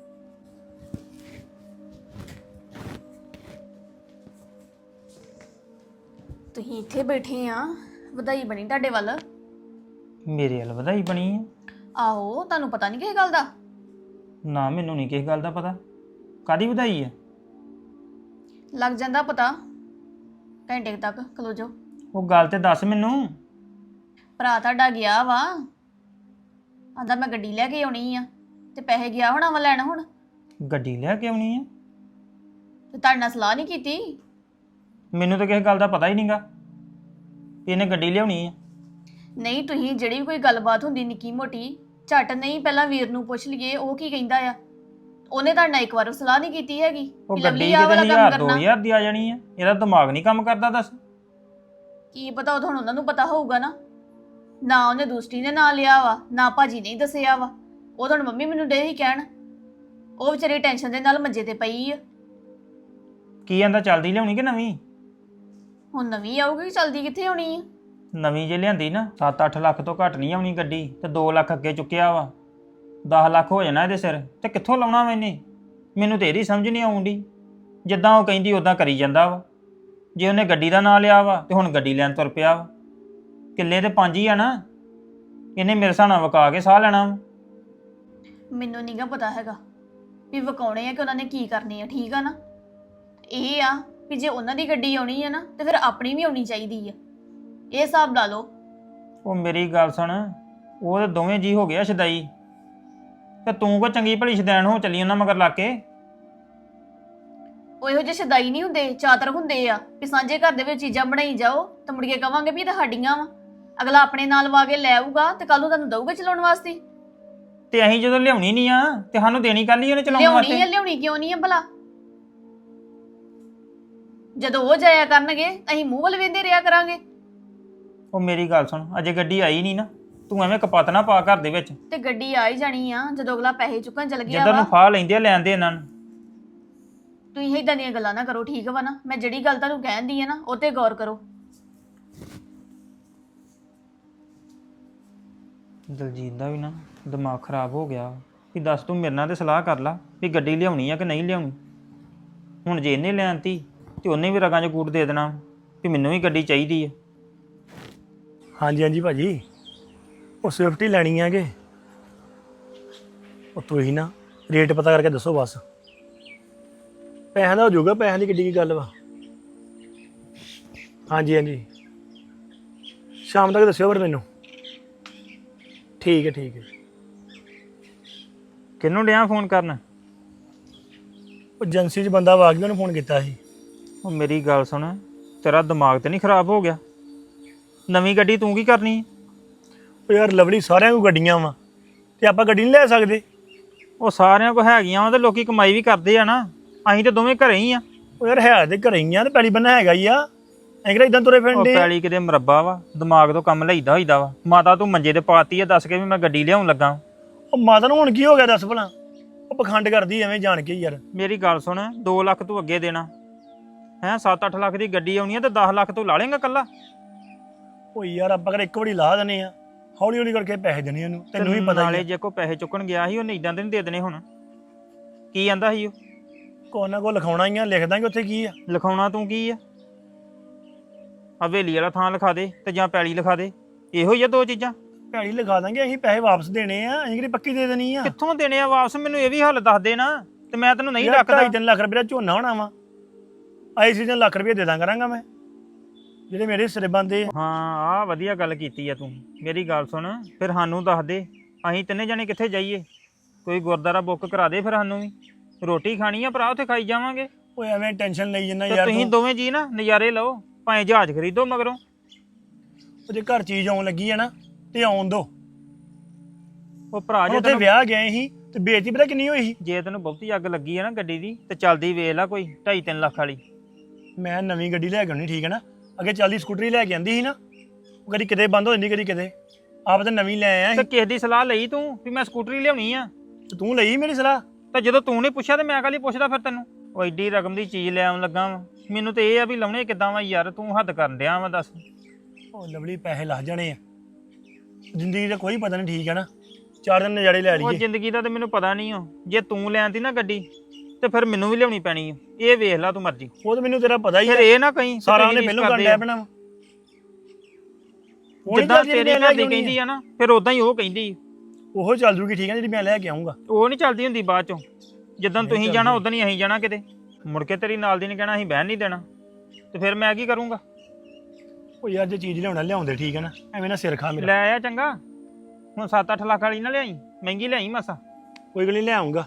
Speaker 5: ਤੁਸੀਂ ਇੱਥੇ ਬੈਠੇ ਆ, ਵਧਾਈ ਬਣੀ ਤੁਹਾਡੇ ਵੱਲ।
Speaker 6: ਮੇਰੇ ਵੱਲ ਵਧਾਈ ਬਣੀ ਆ?
Speaker 5: ਆਹੋ, ਤੁਹਾਨੂੰ ਪਤਾ ਨਹੀਂ ਕਿਸ ਗੱਲ ਦਾ?
Speaker 6: ਨਾ ਮੈਨੂੰ ਨਹੀਂ ਕਿਸ ਗੱਲ ਦਾ ਪਤਾ। ਕਾਦੀ ਵਧਾਈ ਆ?
Speaker 5: ਲੱਗ ਜਾਂਦਾ ਪਤਾ, ਘੰਟੇ ਕੁ ਤੱਕ ਖਲੋ ਜਾਓ।
Speaker 6: ਉਹ ਗੱਲ ਤੇ ਦੱਸ ਮੈਨੂੰ।
Speaker 5: ਭਰਾ ਤੁਹਾਡਾ ਗਿਆ ਵਾ, ਆਂਦਾ ਮੈਂ ਗੱਡੀ ਲੈ ਕੇ ਆਉਣੀ ਆ ਤੇ ਪੈਸੇ ਗਿਆ ਹੋਣਾ ਵਾ ਲੈਣ। ਹੁਣ
Speaker 6: ਗੱਡੀ ਲੈ ਕੇ ਆਉਣੀ ਆ?
Speaker 5: ਤੇ ਤੁਹਾਡੇ ਨਾਲ ਸਲਾਹ ਨਹੀਂ ਕੀਤੀ?
Speaker 6: ਮੈਨੂੰ ਤਾਂ ਕਿਸੇ ਗੱਲ ਦਾ ਪਤਾ ਹੀ ਨਹੀਂਗਾ ਇਹਨੇ ਗੱਡੀ ਲਿਆਉਣੀ ਆ।
Speaker 5: ਨਹੀਂ, ਤੁਸੀਂ ਜਿਹੜੀ ਵੀ ਕੋਈ ਗੱਲਬਾਤ ਹੁੰਦੀ ਨਿੱਕੀ ਮੋਟੀ, ਝੱਟ ਨਹੀਂ ਪਹਿਲਾਂ ਵੀਰ ਨੂੰ ਪੁੱਛ ਲਈਏ ਉਹ ਕੀ ਕਹਿੰਦਾ ਆ। ਉਹਨੇ ਤੁਹਾਡੇ ਨਾਲ ਇੱਕ ਵਾਰ ਸਲਾਹ ਨਹੀਂ ਕੀਤੀ ਹੈਗੀ
Speaker 6: ਉਹ
Speaker 5: ਵੀ
Speaker 6: ਗੱਡੀ
Speaker 5: ਲਵਲੀ ਆਹ ਵਾਲਾ
Speaker 6: ਕਿਤੇ
Speaker 5: ਕੰਮ
Speaker 6: ਹਜ਼ਾਰ ਦੋ
Speaker 5: ਕਰਨਾ।
Speaker 6: ਹਜ਼ਾਰ ਦੀ ਆ ਜਾਣੀ ਆ? ਇਹਦਾ ਦਿਮਾਗ ਨਹੀਂ ਕੰਮ ਕਰਦਾ ਦੱਸ।
Speaker 5: ਕੀ ਪਤਾ, ਉਹ ਤਾਂ ਹੁਣ ਉਹਨਾਂ ਨੂੰ ਪਤਾ ਹੋਊਗਾ ਨਾ। ਨਾ ਉਹਨੇ ਦੂਸਰੀ ਨੇ ਨਾਂ ਲਿਆ ਵਾ, ਨਾ ਭਾਜੀ ਨੇ ਹੀ ਦੱਸਿਆ ਵਾ। ਉਹ ਤਾਂ ਹੁਣ ਮੰਮੀ ਮੈਨੂੰ ਡੇ ਹੀ ਕਹਿਣ। ਉਹ ਵਿਚਾਰੀ ਟੈਨਸ਼ਨ ਦੇ ਨਾਲ ਮੰਜੇ ਤੇ ਪਈ ਆ।
Speaker 6: ਕੀ ਕਹਿੰਦਾ, ਚੱਲਦੀ ਲਿਆਉਣੀ ਕਿ ਨਵੀਂ?
Speaker 5: ਹੁਣ ਨਵੀਂ ਆਊਗੀ, ਚਲਦੀ ਕਿੱਥੇ ਹੋਣੀ ਆ?
Speaker 6: ਨਵੀਂ ਜੇ ਲਿਆਂਦੀ ਨਾ ਸੱਤ ਅੱਠ ਲੱਖ ਤੋਂ ਘੱਟ ਨਹੀਂ ਆਉਣੀ ਗੱਡੀ, ਤੇ ਦੋ ਲੱਖ ਅੱਗੇ ਚੁੱਕਿਆ ਵਾ। ਦਸ ਲੱਖ ਹੋ ਜਾਣਾ ਇਹਦੇ ਸਿਰ, ਤੇ ਕਿੱਥੋਂ ਲਾਉਣਾ ਮੈਨੇ? ਮੈਨੂੰ ਤੇ ਇਹਦੀ ਸਮਝ ਨਹੀਂ ਆਉਂਦੀ। ਜਿੱਦਾਂ ਉਹ ਕਹਿੰਦੀ ਉਦਾਂ ਕਰੀ ਜਾਂਦਾ ਵਾ। ਜੇ ਉਹਨੇ ਗੱਡੀ ਦਾ ਨਾਂ ਲਿਆ ਵਾ ਤੇ ਹੁਣ ਗੱਡੀ ਲੈਣ ਤੁਰ ਪਿਆ ਵਾ। ਕਿੱਲੇ ਤੇ ਪੰਜ ਹੀ ਆ ਨਾ, ਇਹਨੇ ਮੇਰੇ ਹਿਸਾਬ ਨਾਲ ਵਕਾ ਕੇ ਸਾਹ ਲੈਣਾ ਵਾ।
Speaker 5: ਮੈਨੂੰ ਨਹੀਂਗਾ ਪਤਾ ਹੈਗਾ ਵੀ ਵਕਾਉਣੇ ਆ ਕਿ ਉਹਨਾਂ ਨੇ ਕੀ ਕਰਨੀ ਆ। ਠੀਕ ਆ ਨਾ? ਇਹ ਆ ਵੀ ਜੇ ਉਹਨਾਂ ਦੀ ਗੱਡੀ ਆਉਣੀ ਆ ਨਾ ਤੇ ਫਿਰ ਆਪਣੀ ਵੀ ਆਉਣੀ ਚਾਹੀਦੀ ਆ। ਇਹ ਹਿਸਾਬ ਲਾ ਲਓ।
Speaker 6: ਉਹ ਮੇਰੀ ਗੱਲ ਸੁਣ, ਉਹ ਤੇ ਦੋਵੇਂ ਜੀ ਹੋ ਗਿਆ ਸ਼ਦਾਈ, ਤੇ ਤੂੰ ਕੋ ਚੰਗੀ ਭਲੀ ਸ਼ਦੈਣ ਹੋ ਚੱਲੀ ਉਹਨਾਂ ਮਗਰ ਲਾ ਕੇ।
Speaker 5: ਉਹ ਇਹੋ ਜਿਹੇ ਸ਼ਦਾਈ ਨਹੀਂ ਹੁੰਦੇ, ਚਾਤਰ ਹੁੰਦੇ ਆ ਵੀ ਸਾਂਝੇ ਘਰ ਦੇ ਵਿੱਚ ਚੀਜ਼ਾਂ ਬਣਾਈ ਜਾਓ ਤੇ ਮੁੜ ਕੇ ਕਵਾਂਗੇ ਵੀ ਇਹ ਤਾਂ ਸਾਡੀਆਂ ਵਾ। ਅਗਲਾ ਆਪਣੇ ਨਾਲ ਵਾ ਕੇ ਲੈ ਆਊਗਾ ਤੇ ਕੱਲ ਨੂੰ ਤੁਹਾਨੂੰ ਦਊਗਾ ਚਲਾਉਣ ਵਾਸਤੇ।
Speaker 6: ਤੇ ਅਸੀਂ ਜਦੋਂ ਲਿਆਉਣੀ ਨਹੀਂ ਆ ਤੇ ਸਾਨੂੰ ਦੇਣੀ ਕੱਲ ਹੀ ਉਹਨੇ ਚਲਾਉਣ
Speaker 5: ਲਿਆਉਣੀ
Speaker 6: ਵਾਸਤੇ।
Speaker 5: ਆ, ਲਿਆਉਣੀ ਕਿਉਂ ਨਹੀਂ ਆ ਭਲਾ? ਜਦੋਂ ਉਹ ਜਾਇਆ ਕਰਨਗੇ ਅਸੀਂ ਮੂੰਹ ਵੱਲ ਵੇਂਦੇ ਰਿਹਾ ਕਰਾਂਗੇ।
Speaker 6: ਉਹ ਮੇਰੀ ਗੱਲ ਸੁਣ, ਅਜੇ ਗੱਡੀ ਆਈ ਨਹੀਂ ਨਾ, ਤੂੰ ਐਵੇਂ ਕਪੱਤ ਨਾ ਪਾ ਘਰ ਦੇ ਵਿੱਚ।
Speaker 5: ਤੇ ਗੱਡੀ ਆ ਹੀ ਜਾਣੀ ਆ ਜਦੋਂ ਅਗਲਾ ਪੈਸੇ ਚੁੱਕਣ ਚਲ ਗਿਆ
Speaker 6: ਜਿੱਦਾਂ
Speaker 5: ਵਾ।
Speaker 6: ਨੂੰ ਫਾਹ ਲੈਂਦੇ ਆ ਲੈਣ ਦੇ ਇਹਨਾਂ ਨੂੰ।
Speaker 5: ਤੁਸੀਂ ਇਦਾਂ ਦੀਆਂ ਗੱਲਾਂ ਨਾ ਕਰੋ, ਠੀਕ ਵਾ ਨਾ? ਮੈਂ ਜਿਹੜੀ ਗੱਲ ਤੁਹਾਨੂੰ ਕਹਿੰਦੀ ਆ ਨਾ ਉਹ ਤੇ ਗੌਰ ਕਰੋ।
Speaker 6: ਦਲਜੀਤ ਦਾ ਵੀ ਨਾ ਦਿਮਾਗ ਖਰਾਬ ਹੋ ਗਿਆ ਵੀ ਦੱਸ ਤੂੰ ਮੇਰੇ ਨਾਲ ਤੇ ਸਲਾਹ ਕਰ ਲਾ ਵੀ ਗੱਡੀ ਲਿਆਉਣੀ ਆ ਕਿ ਨਹੀਂ ਲਿਆਉਣੀ। ਹੁਣ ਜੇ ਇਹਨੇ ਲੈਣਤੀ ਤੇ ਉਹਨੇ ਵੀ ਰਗਾਂ 'ਚ ਕੂਟ ਦੇ ਦੇਣਾ ਵੀ ਮੈਨੂੰ ਵੀ ਗੱਡੀ ਚਾਹੀਦੀ ਆ।
Speaker 1: ਹਾਂਜੀ ਹਾਂਜੀ ਭਾਜੀ, ਉਹ ਸਵਿਫਟ ਹੀ ਲੈਣੀ ਹੈਗੇ। ਉਹ ਤੁਸੀਂ ਨਾ ਰੇਟ ਪਤਾ ਕਰਕੇ ਦੱਸੋ ਬਸ। ਪੈਸਿਆਂ ਦਾ ਹੋ ਜਾਊਗਾ, ਪੈਸਿਆਂ ਦੀ ਕਿੱਡੀ ਕੀ ਗੱਲ ਵਾ। ਹਾਂਜੀ ਹਾਂਜੀ, ਸ਼ਾਮ ਤੱਕ ਦੱਸਿਓ ਫਿਰ ਮੈਨੂੰ। ਠੀਕ ਹੈ ਠੀਕ ਹੈ।
Speaker 6: ਕਿਹਨੂੰ ਡਿਆ ਫੋਨ ਕਰਨ?
Speaker 1: ਉਹ ਏਜੰਸੀ 'ਚ ਬੰਦਾ ਵਾ ਗਿਆ, ਉਹਨੂੰ ਫੋਨ ਕੀਤਾ ਸੀ।
Speaker 6: ਉਹ ਮੇਰੀ ਗੱਲ ਸੁਣ, ਤੇਰਾ ਦਿਮਾਗ ਤੇ ਨਹੀਂ ਖਰਾਬ ਹੋ ਗਿਆ? ਨਵੀਂ ਗੱਡੀ ਤੂੰ ਕੀ ਕਰਨੀ ਹੈ?
Speaker 1: ਉਹ ਯਾਰ ਲਵਲੀ, ਸਾਰਿਆਂ ਕੋਲ ਗੱਡੀਆਂ ਵਾ ਤੇ ਆਪਾਂ ਗੱਡੀ ਨਹੀਂ ਲੈ ਸਕਦੇ?
Speaker 6: ਉਹ ਸਾਰਿਆਂ ਕੋਲ ਹੈਗੀਆਂ ਵਾ ਤੇ ਲੋਕੀ ਕਮਾਈ ਵੀ ਕਰਦੇ ਆ ਨਾ। ਅਸੀਂ ਤੇ ਦੋਵੇਂ ਘਰੇ ਹੀ ਆ।
Speaker 1: ਉਹ ਯਾਰ ਹੈ ਤੇ ਘਰੇ ਹੀ ਆ ਤੇ ਪੈਲੀ ਬੰਨਾ ਹੈਗਾ ਹੀ ਆ। ਐਂ ਕਿਹੜਾ ਇਦਾਂ ਤੁਰੇ
Speaker 6: ਉਹ
Speaker 1: ਫਿਰਦੇ
Speaker 6: ਪੈਲੀ ਕਿਤੇ ਮਰੱਬਾ ਵਾ, ਦਿਮਾਗ ਤੋਂ ਕੰਮ ਲਈਦਾ ਹੋਈਦਾ ਵਾ। ਮਾਤਾ ਤੂੰ ਮੰਜੇ ਤੇ ਪਾਤੀ ਆ, ਦੱਸ ਕੇ ਵੀ ਮੈਂ ਗੱਡੀ ਲਿਆਉਣ ਲੱਗਾ।
Speaker 1: ਉਹ ਮਾਤਾ ਨੂੰ ਹੁਣ ਕੀ ਹੋ ਗਿਆ ਦੱਸ ਭਲਾ? ਉਹ ਪਖੰਡ ਕਰਦੀ ਐਵੇਂ ਜਾਣ ਕੇ ਯਾਰ।
Speaker 6: ਮੇਰੀ ਗੱਲ ਸੁਣ, ਦੋ ਲੱਖ ਤੂੰ ਅੱਗੇ ਦੇਣਾ ਹੈ, ਸੱਤ ਅੱਠ ਲੱਖ ਦੀ ਗੱਡੀ ਆਉਣੀ ਆ ਤੇ ਦਸ ਲੱਖ ਤੂੰ ਲਾ ਲੇਂਗਾ ਕੱਲਾ।
Speaker 1: ਉਹ ਯਾਰ ਆਪਾਂ ਕਿਹੜਾ ਇੱਕ ਵਾਰੀ ਲਾ ਦਨੇ ਆ, ਹੌਲੀ ਹੌਲੀ ਕਰਕੇ ਪੈਸੇ ਦੇਣੇ ਉਹਨੂੰ, ਤੈਨੂੰ ਵੀ ਪਤਾ
Speaker 6: ਨਾਲੇ
Speaker 1: ਹੀ
Speaker 6: ਜੇ ਕੋ ਪੈਸੇ ਚੁੱਕਣ ਗਿਆ ਸੀ ਉਹਨੇ ਇਦਾਂ ਦੇ ਨਹੀਂ ਦੇ ਦੇਣੇ। ਹੁਣ ਕੀ ਆਂਦਾ ਸੀ ਉਹ?
Speaker 1: ਕੋਈ ਨਾ ਕੋਈ ਲਿਖਾਉਣਾ ਹੀ ਆ, ਲਿਖ ਦਾਂਗੇ ਉੱਥੇ ਕੀ ਆ।
Speaker 6: ਲਿਖਾਉਣਾ ਤੂੰ ਕੀ ਆ? ਹਵੇਲੀ ਵਾਲਾ ਥਾਂ ਲਿਖਾ ਦੇ ਤੇ ਜਾਂ ਪੈਲੀ ਲਿਖਾ ਦੇ, ਇਹੋ ਹੀ ਆ ਦੋ ਚੀਜ਼ਾਂ।
Speaker 1: ਭੈੜੀ ਲਿਖਾ ਦਾਂਗੇ, ਅਸੀਂ ਪੈਸੇ ਵਾਪਸ ਦੇਣੇ ਆ, ਅਸੀਂ ਕਿਹੜੀ ਪੱਕੀ ਦੇ ਦੇਣੀ ਆ।
Speaker 6: ਕਿੱਥੋਂ ਦੇਣੇ ਆ ਵਾਪਸ? ਮੈਨੂੰ ਇਹ ਵੀ ਹੱਲ ਦੱਸ ਦੇ ਨਾ, ਤੇ ਮੈਂ ਤੈਨੂੰ ਨਹੀਂ
Speaker 1: ਯਾਰ
Speaker 6: ਡੱਕਦਾ।
Speaker 1: ਢਾਈ ਤਿੰਨ ਲੱਖ ਰੁਪਏ ਦਾ ਝੋਨਾ ਹੋਣਾ ਵਾ, ਆਈ ਸੀਜ਼ਨ ਲੱਖ ਰੁਪਏ ਦੇ ਦਾਂ ਕਰਾਂਗਾ ਮੈਂ, ਜਿਹੜੇ ਮੇਰੇ ਹਿੱਸੇ ਬੰਦੇ ਆ।
Speaker 6: ਹਾਂ ਆਹ ਵਧੀਆ ਗੱਲ ਕੀਤੀ ਆ ਤੂੰ। ਮੇਰੀ ਗੱਲ ਸੁਣ, ਫਿਰ ਸਾਨੂੰ ਦੱਸ ਦੇ, ਅਸੀਂ ਤਿੰਨੇ ਜਣੇ ਕਿੱਥੇ ਜਾਈਏ? ਕੋਈ ਗੁਰਦੁਆਰਾ ਬੁੱਕ ਕਰਾ ਦੇ ਫਿਰ ਸਾਨੂੰ ਵੀ, ਰੋਟੀ ਖਾਣੀ ਆ ਭਰਾ, ਉੱਥੇ ਖਾਈ ਜਾਵਾਂਗੇ।
Speaker 1: ਓਏ ਐਵੇਂ ਟੈਨਸ਼ਨ ਲਈ ਜੰਨਾ
Speaker 6: ਤੇ
Speaker 1: ਯਾਰ
Speaker 6: ਤੁਸੀਂ
Speaker 1: ਤੂੰ।
Speaker 6: ਦੋਵੇਂ ਜੀ ਨਾ ਨਜ਼ਾਰੇ ਲਓ, ਭਾਵੇਂ ਜਹਾਜ਼ ਖਰੀਦੋ ਮਗਰੋਂ।
Speaker 1: ਉਹ ਜੇ ਘਰ ਚੀਜ਼ ਆਉਣ ਲੱਗੀ ਹੈ ਨਾ ਤੇ ਆਉਣ ਦੋ।
Speaker 6: ਉਹ ਭਰਾ ਜੇ
Speaker 1: ਉੱਥੇ
Speaker 6: ਤੈਨੂੰ
Speaker 1: ਵਿਆਹ ਗਏ ਸੀ ਤੇ ਬੇਇੱਜ਼ਤੀ ਪਤਾ ਕਿੰਨੀ ਹੋਈ ਸੀ।
Speaker 6: ਜੇ ਤੈਨੂੰ ਬਹੁਤੀ ਅੱਗ ਲੱਗੀ ਆ ਨਾ ਗੱਡੀ ਦੀ, ਤੇ ਚੱਲਦੀ ਵੇਖ ਲੈ ਕੋਈ ਢਾਈ ਤਿੰਨ ਲੱਖ ਵਾਲੀ।
Speaker 1: ਮੈਂ ਨਵੀਂ ਗੱਡੀ ਲੈ ਕੇ ਆਉਣੀ, ਠੀਕ ਹੈ ਨਾ। ਅੱਗੇ ਚੱਲਦੀ ਸਕੂਟਰੀ ਲੈ ਕੇ ਆਂਦੀ ਸੀ ਨਾ, ਉਹ ਕਦੀ ਕਿਤੇ ਬੰਦ ਹੋ ਜਾਂਦੀ ਕਦੀ ਕਿਤੇ। ਆਪ ਤਾਂ ਨਵੀਂ ਲੈ ਆਇਆ
Speaker 6: ਤੇ
Speaker 1: ਸੀ
Speaker 6: ਕਿਸ ਦੀ ਸਲਾਹ ਲਈ ਤੂੰ ਵੀ ਮੈਂ ਸਕੂਟਰੀ ਲਿਆਉਣੀ ਆ?
Speaker 1: ਤੇ ਤੂੰ ਲਈ ਮੇਰੀ ਸਲਾਹ।
Speaker 6: ਤੇ ਜਦੋਂ ਤੂੰ ਨਹੀਂ ਪੁੱਛਿਆ ਤੇ ਮੈਂ ਕਾਹਲੀ ਪੁੱਛਦਾ ਫਿਰ ਤੈਨੂੰ? ਉਹ ਐਡੀ ਰਕਮ ਦੀ ਚੀਜ਼ ਲੈ ਆਉਣ ਲੱਗਾ ਵਾ, ਮੈਨੂੰ ਤੇ ਇਹ ਆ ਵੀ ਲਾਉਣੇ ਕਿੱਦਾਂ ਵਾ ਯਾਰ, ਤੂੰ ਹੱਦ ਕਰਨ ਡਿਆ ਵਾ ਦੱਸ।
Speaker 1: ਉਹ ਲਵਲੀ ਪੈਸੇ ਲੱਗ ਜਾਣੇ ਆ, ਜ਼ਿੰਦਗੀ ਦਾ ਕੋਈ ਪਤਾ ਨਹੀਂ, ਠੀਕ ਹੈ ਨਾ। ਚਾਰ ਦਿਨ ਨਜ਼ਾਰੇ ਲੈ
Speaker 6: ਉਹ
Speaker 1: ਲਈਏ।
Speaker 6: ਜ਼ਿੰਦਗੀ ਦਾ ਤੇ ਮੈਨੂੰ ਪਤਾ ਨਹੀਂ ਹੋ, ਜੇ ਤੂੰ ਲੈਣਦੀ ਨਾ ਗੱਡੀ ਤੇ ਫਿਰ ਮੈਨੂੰ ਵੀ ਲਿਆਉਣੀ ਪੈਣੀ ਆ। ਇਹ ਵੇਖ ਲੈ ਤੂੰ ਮਰਜ਼ੀ।
Speaker 1: ਉਹ ਤਾਂ ਮੈਨੂੰ ਤੇਰਾ ਪਤਾ ਹੀ
Speaker 6: ਫਿਰ
Speaker 1: ਹੈ,
Speaker 6: ਇਹ ਨਾ ਕਹੀਂ
Speaker 1: ਸਾਰਾ ਉਹਨੇ ਪਹਿਲੋਂ ਕਰਨ ਡਿਆ ਪੈਣਾ।
Speaker 6: ਜਿੱਦਾਂ ਤੇਰੀ ਘਰ ਦੀ ਕਹਿੰਦੀ ਆ ਨਾ, ਫਿਰ ਉਦਾਂ ਹੀ ਉਹ ਕਹਿੰਦੀ।
Speaker 1: ਉਹ ਚੱਲ ਜੂਗੀ, ਠੀਕ ਹੈ, ਜਿਹੜੀ ਮੈਂ ਲੈ ਕੇ ਆਉਂਗਾ।
Speaker 6: ਉਹ ਨਹੀਂ ਚੱਲਦੀ ਹੁੰਦੀ ਬਾਅਦ ਚੋਂ। ਜਿੱਦਾਂ ਤੁਸੀਂ ਜਾਣਾ ਉਦਾਂ ਹੀ ਅਸੀਂ ਜਾਣਾ ਕਿਤੇ, ਮੁੜ ਕੇ ਤੇਰੀ ਨਾਲ ਦੀ ਨੇ ਕਹਿਣਾ ਅਸੀਂ ਬਹਿਣ ਨਹੀਂ ਦੇਣਾ, ਤੇ ਫਿਰ ਮੈਂ ਕੀ ਕਰੂੰਗਾ?
Speaker 1: ਉਹ ਯਾਰ ਜੇ ਚੀਜ਼ ਲਿਆਉਣਾ ਲਿਆਉਂਦੇ, ਠੀਕ ਹੈ ਨਾ, ਐਵੇਂ ਨਾ ਸਿਰ ਖਾ ਮੇਰਾ।
Speaker 6: ਲੈ ਆਇਆ ਚੰਗਾ, ਹੁਣ ਸੱਤ ਅੱਠ ਲੱਖ ਵਾਲੀ ਨਾ ਲਿਆਈ, ਮਹਿੰਗੀ ਲਿਆਈ ਮਾਸਾ।
Speaker 1: ਕੋਈ ਗੱਲ ਨਹੀਂ, ਲੈ ਆਉਂਗਾ।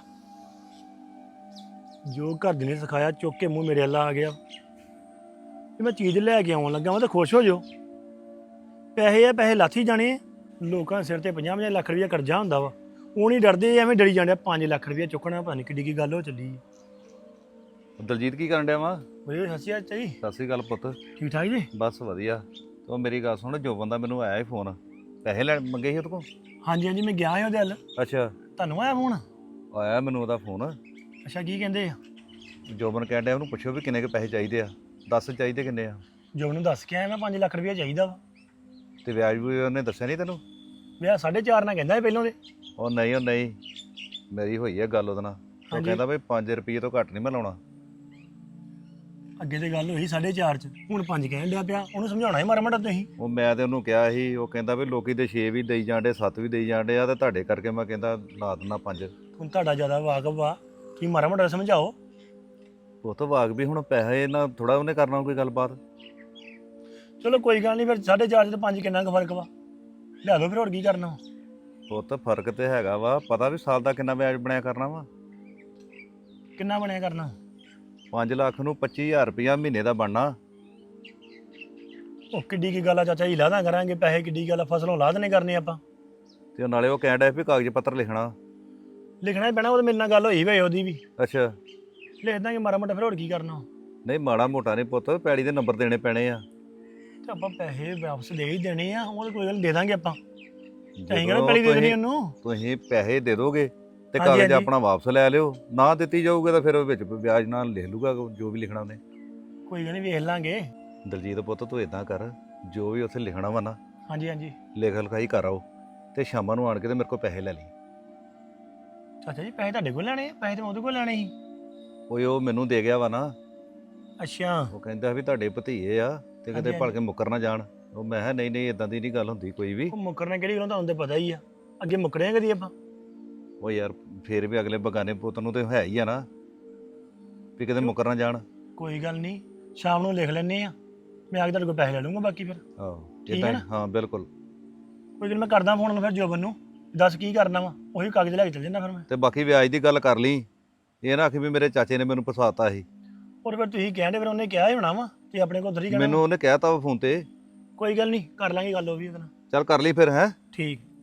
Speaker 1: ਜੋ ਘਰ ਦੇ ਨੇ ਸਿਖਾਇਆ ਚੁੱਕ ਕੇ ਮੂੰਹ ਮੇਰੇ ਵੱਲ ਆ ਗਿਆ ਵੀ ਮੈਂ ਚੀਜ਼ ਲੈ ਕੇ ਆਉਣ ਲੱਗਾ, ਮੈਂ ਤਾਂ ਖੁਸ਼ ਹੋ ਜਾਓ। ਪੈਸੇ ਆ, ਪੈਸੇ ਲਾਥੀ ਜਾਣੇ ਆ। ਲੋਕਾਂ ਦੇ ਸਿਰ ਤੇ ਪੰਜਾਹ ਪੰਜਾਹ ਲੱਖ ਰੁਪਇਆ ਕਰਜ਼ਾ ਹੁੰਦਾ ਵਾ, ਉਹ ਨਹੀਂ ਡਰਦੇ, ਐਵੇਂ ਡਰੀ ਜਾਂਦੇ। ਪੰਜ ਲੱਖ ਰੁਪਇਆ ਚੁੱਕਣਾ, ਪਤਾ ਨਹੀਂ ਕਿੱਡੀ ਕੀ ਗੱਲ ਹੋ ਚੱਲੀ।
Speaker 7: ਦਲਜੀਤ ਕੀ ਕਰਨ ਡਿਆ ਵਾ?
Speaker 1: ਬਈ ਸਤਿ ਸ਼੍ਰੀ ਅਕਾਲ ਜੀ।
Speaker 7: ਸਤਿ ਸ੍ਰੀ ਅਕਾਲ ਪੁੱਤ।
Speaker 1: ਠੀਕ ਠਾਕ ਜੀ?
Speaker 7: ਬਸ ਵਧੀਆ। ਤੂੰ ਮੇਰੀ ਗੱਲ ਸੁਣ, ਜੋ ਬੰਦਾ ਮੈਨੂੰ ਆਇਆ ਹੀ ਫੋਨ, ਪੈਸੇ ਲੈਣ ਮੰਗੇ ਸੀ ਉਹਦੇ ਕੋਲ।
Speaker 1: ਹਾਂਜੀ ਹਾਂਜੀ, ਮੈਂ ਗਿਆ ਹਾਂ ਉਹਦੇ ਵੱਲ।
Speaker 7: ਅੱਛਾ।
Speaker 1: ਤੁਹਾਨੂੰ ਆਇਆ ਫੋਨ?
Speaker 7: ਆਇਆ ਮੈਨੂੰ ਉਹਦਾ ਫੋਨ।
Speaker 1: ਅੱਛਾ, ਕੀ ਕਹਿੰਦੇ ਆ?
Speaker 7: ਜੋਬਨ ਕਹਿਣ ਡਿਆ ਉਹਨੂੰ ਪੁੱਛਿਓ ਵੀ ਕਿੰਨੇ ਕੁ ਪੈਸੇ ਚਾਹੀਦੇ ਆ, ਦੱਸ ਚਾਹੀਦੇ ਕਿੰਨੇ ਆ।
Speaker 1: ਜੋ ਉਹਨੂੰ ਦੱਸ ਕੇ ਆਇਆ ਮੈਂ ਪੰਜ ਲੱਖ ਰੁਪਇਆ ਚਾਹੀਦਾ ਵਾ।
Speaker 7: ਤੇ ਵਿਆਜ ਵੀ ਉਹਨੇ ਦੱਸਿਆ ਨਹੀਂ ਤੈਨੂੰ?
Speaker 1: ਵਿਆਹ ਸਾਢੇ ਚਾਰ ਨਾਲ ਕਹਿੰਦਾ ਇਹ ਪਹਿਲੋਂ ਦੇ।
Speaker 7: ਉਹ ਨਹੀਂ, ਉਹ ਨਹੀਂ, ਮੇਰੀ ਹੋਈ ਹੈ ਗੱਲ ਉਹਦੇ ਨਾਲ। ਉਹ
Speaker 1: ਹਾਂਜੀ।
Speaker 7: ਕਹਿੰਦਾ ਵੀ ਪੰਜ ਰੁਪਏ ਤੋਂ ਘੱਟ ਨਹੀਂ ਮੈਂ ਲਾਉਣਾ।
Speaker 1: ਅੱਗੇ ਤੇ ਗੱਲ ਹੋਈ ਸਾਢੇ ਚਾਰ ਚ, ਹੁਣ ਪੰਜ ਕਹਿਣ ਡਿਆ ਪਿਆ। ਉਹਨੂੰ ਸਮਝਾਉਣਾ ਹੀ ਮਾੜਾ ਮਾੜਾ ਤੁਸੀਂ।
Speaker 7: ਉਹ ਮੈਂ ਤੇ ਉਹਨੂੰ ਕਿਹਾ ਸੀ, ਉਹ ਕਹਿੰਦਾ ਵੀ ਲੋਕੀ ਤੇ ਛੇ ਵੀ ਦੇਈ ਜਾਂਦੇ, ਸੱਤ ਵੀ ਦੇਈ ਜਾਂਦੇ ਆ, ਤੇ ਤੁਹਾਡੇ ਕਰਕੇ ਮੈਂ ਕਹਿੰਦਾ ਲਾ ਦਿੰਦਾ ਪੰਜ।
Speaker 1: ਹੁਣ ਤੁਹਾਡਾ ਜ਼ਿਆਦਾ ਵਾਕਫ ਵਾ, ਕੀ ਮਾੜਾ ਮਾੜਾ ਸਮਝਾਓ।
Speaker 7: ਉਹ ਤਾਂ ਵਾਗ ਵੀ ਹੁਣ ਪੈਸੇ ਨਾਲ ਥੋੜਾ ਉਹਨੇ ਕਰਨਾ ਕੋਈ ਗੱਲਬਾਤ।
Speaker 1: ਚਲੋ ਕੋਈ ਗੱਲ ਨਹੀਂ, ਫਿਰ ਸਾਢੇ ਚਾਰ ਚ ਤੇ ਪੰਜ ਕਿੰਨਾ ਕੁ ਫਰਕ ਵਾ, ਲਿਆ ਦੋ ਫਿਰ, ਹੋਰ ਕੀ ਕਰਨਾ।
Speaker 7: ਉਹ ਤਾਂ ਫਰਕ ਤੇ ਹੈਗਾ ਵਾ, ਪਤਾ ਵੀ ਸਾਲ ਦਾ ਕਿੰਨਾ ਵਿਆਜ ਬਣਿਆ ਕਰਨਾ ਵਾ।
Speaker 1: ਕਿੰਨਾ ਬਣਿਆ ਕਰਨਾ?
Speaker 7: ਪੰਜ ਲੱਖ ਨੂੰ ਪੱਚੀ ਹਜ਼ਾਰ ਰੁਪਇਆ ਮਹੀਨੇ ਦਾ ਬਣਨਾ।
Speaker 1: ਉਹ ਕਿੱਡੀ ਕੀ ਗੱਲ ਆ ਚਾਚਾ ਜੀ, ਲਾਦਾ ਕਰਾਂਗੇ ਪੈਸੇ, ਕਿੱਡੀ ਗੱਲ ਆ, ਫਸਲੋਂ ਲਾਦਨੇ ਕਰਨੇ ਆਪਾਂ।
Speaker 7: ਤੇ ਨਾਲੇ ਉਹ ਕਹਿਣ ਡਿਆ ਵੀ ਕਾਗਜ਼ ਪੱਤਰ ਲਿਖਣਾ।
Speaker 1: ਲਿਖਣਾ ਹੀ ਪੈਣਾ, ਉਹ ਤਾਂ ਮੇਰੇ ਨਾਲ ਗੱਲ ਹੋਈ ਵੇ ਉਹਦੀ ਵੀ।
Speaker 7: ਅੱਛਾ।
Speaker 1: ਲਿਖ ਦਾਂਗੇ ਮਾੜਾ ਮੋਟਾ, ਫਿਰ ਹੋਰ ਕੀ ਕਰਨਾ।
Speaker 7: ਨਹੀਂ ਮਾੜਾ ਮੋਟਾ ਨਹੀਂ ਪੁੱਤ, ਪੈੜੀ ਦੇ ਨੰਬਰ ਦੇਣੇ ਪੈਣੇ ਆ।
Speaker 1: ਤੇ ਆਪਾਂ ਪੈਸੇ ਵਾਪਸ ਦੇ ਹੀ ਦੇਣੇ ਆ, ਉਹ ਤਾਂ ਕੋਈ ਗੱਲ ਨੀ, ਦੇ ਦਾਂਗੇ ਆਪਾਂ। ਅਸੀਂ
Speaker 7: ਜਦੋਂ
Speaker 1: ਕਿਹੜਾ ਪਹਿਲੀ ਦੇ ਦੇਣੀ
Speaker 7: ਤੁਸੀਂ-
Speaker 1: ਉਹਨੂੰ।
Speaker 7: ਤੁਸੀਂ ਪੈਸੇ ਦੇ ਦੋਗੇ ਤੇ
Speaker 1: ਹਾਂਜੀ,
Speaker 7: ਕਾਗਜ਼
Speaker 1: ਹਾਂਜੀ।
Speaker 7: ਆਪਣਾ ਵਾਪਸ ਲੈ ਲਿਓ, ਨਾ ਦਿੱਤੀ ਜਾਊਗਾ ਤਾਂ ਫਿਰ ਉਹ ਵਿੱਚ ਵਿਆਜ ਨਾਲ ਲਿਖ ਲੂਗਾ ਜੋ ਵੀ ਲਿਖਣਾ ਉਹਨੇ।
Speaker 1: ਕੋਈ ਗੱਲ ਨਹੀਂ, ਵੇਖ ਲਾਂਗੇ।
Speaker 7: ਦਲਜੀਤ ਪੁੱਤ ਤੂੰ ਇਦਾਂ ਕਰ, ਜੋ ਵੀ ਉੱਥੇ ਲਿਖਣਾ ਵਾ ਨਾ,
Speaker 1: ਹਾਂਜੀ ਹਾਂਜੀ।
Speaker 7: ਲਿਖ ਲਿਖਾਈ ਕਰ ਆਓ, ਤੇ ਸ਼ਾਮਾਂ ਨੂੰ ਆਣ ਕੇ ਤੇ ਮੇਰੇ ਕੋਲ ਪੈਸੇ ਲੈ ਲਈ।
Speaker 1: ਚਾਚਾ ਜੀ ਪੈਸੇ ਤੁਹਾਡੇ ਕੋਲ ਲੈਣੇ ਆ? ਪੈਸੇ ਤਾਂ ਮੈਂ ਉਹਦੇ ਕੋਲ ਲੈਣੇ ਸੀ।
Speaker 7: ਓਏ ਉਹ ਮੈਨੂੰ ਦੇ ਗਿਆ ਵਾ ਨਾ,
Speaker 1: ਅੱਛਾ।
Speaker 7: ਉਹ ਕਹਿੰਦਾ ਵੀ ਤੁਹਾਡੇ ਭਤੀਏ ਆ ਤੇ ਕਿਤੇ
Speaker 1: ਹਾਂਜੀ,
Speaker 7: ਭੜ ਕੇ ਮੁੱਕਰ ਨਾ ਜਾਣ। ਉਹ ਮੈਂ ਕਿਹਾ ਨਹੀਂ ਨਹੀਂ ਇਦਾਂ ਦੀ ਨਹੀਂ ਗੱਲ ਹੁੰਦੀ ਕੋਈ ਵੀ।
Speaker 1: ਉਹ ਮੁੱਕਰਨਾ ਕਿਹੜੀ ਗੱਲੋਂ, ਤੁਹਾਨੂੰ ਤਾਂ ਪਤਾ ਹੀ ਆ, ਅੱਗੇ ਮੁੱਕਰੇ ਆ ਕਦੀ ਆਪਾਂ।
Speaker 7: ਉਹ ਯਾਰ ਫੇਰ ਵੀ ਅਗਲੇ ਬਗਾਨੇ ਪੁੱਤ ਨੂੰ ਤੇ ਹੈ ਹੀ ਆ ਨਾ, ਵੀ ਕਿਤੇ ਮੁੱਕਰ ਨਾ ਜਾਣ।
Speaker 1: ਕੋਈ ਗੱਲ ਨਹੀਂ, ਸ਼ਾਮ ਨੂੰ ਲਿਖ ਲੈਣੇ ਆ, ਮੈਂ ਆ ਕੇ ਤੁਹਾਡੇ ਕੋਲ ਪੈਸੇ ਲੈ ਲੂੰਗਾ ਬਾਕੀ ਫਿਰ।
Speaker 7: ਆਹੋ
Speaker 1: ਠੀਕ
Speaker 7: ਇਦਾਂ
Speaker 1: ਹੈ
Speaker 7: ਹੀ,
Speaker 1: ਨਾ?
Speaker 7: ਹਾਂ ਬਿਲਕੁਲ।
Speaker 1: ਕੋਈ ਗੱਲ, ਮੈਂ ਕਰਦਾ ਫੋਨ ਫਿਰ ਜੋਬਨ ਨੂੰ, ਦੱਸ ਕੀ ਕਰਨਾ ਵਾ, ਉਹੀ ਕਾਗਜ਼ ਲੈ ਕੇ ਚੱਲ ਜਾਂਦਾ ਫਿਰ ਮੈਂ।
Speaker 7: ਤੇ ਬਾਕੀ ਵਿਆਜ ਦੀ ਗੱਲ ਕਰ ਲਈ, ਇਹ ਨਾ ਆਖੀ ਵੀ ਮੇਰੇ ਚਾਚੇ ਨੇ ਮੈਨੂੰ ਫਸਾਤਾ ਸੀ।
Speaker 1: ਔਰ ਫਿਰ ਤੁਸੀਂ ਕਹਿੰਦੇ, ਫਿਰ ਉਹਨੇ ਕਿਹਾ ਹੀ ਹੋਣਾ ਵਾ, ਤੇ ਆਪਣੇ ਕੋਲ ਉਧਰ ਹੀ ਕਹਿਣਾ
Speaker 7: ਮੈਨੂੰ
Speaker 1: ਵਾ।
Speaker 7: ਉਹਨੇ ਕਹਿਤਾ ਫੋਨ ਤੇ।
Speaker 1: ਕੋਈ ਗੱਲ ਨਹੀਂ, ਕਰ ਲਾਂਗੇ ਗੱਲ ਉਹ ਵੀ ਉਹਦੇ ਨਾਲ।
Speaker 7: ਚੱਲ ਕਰ ਲਈ ਫਿਰ, ਹੈ
Speaker 1: ਠੀਕ।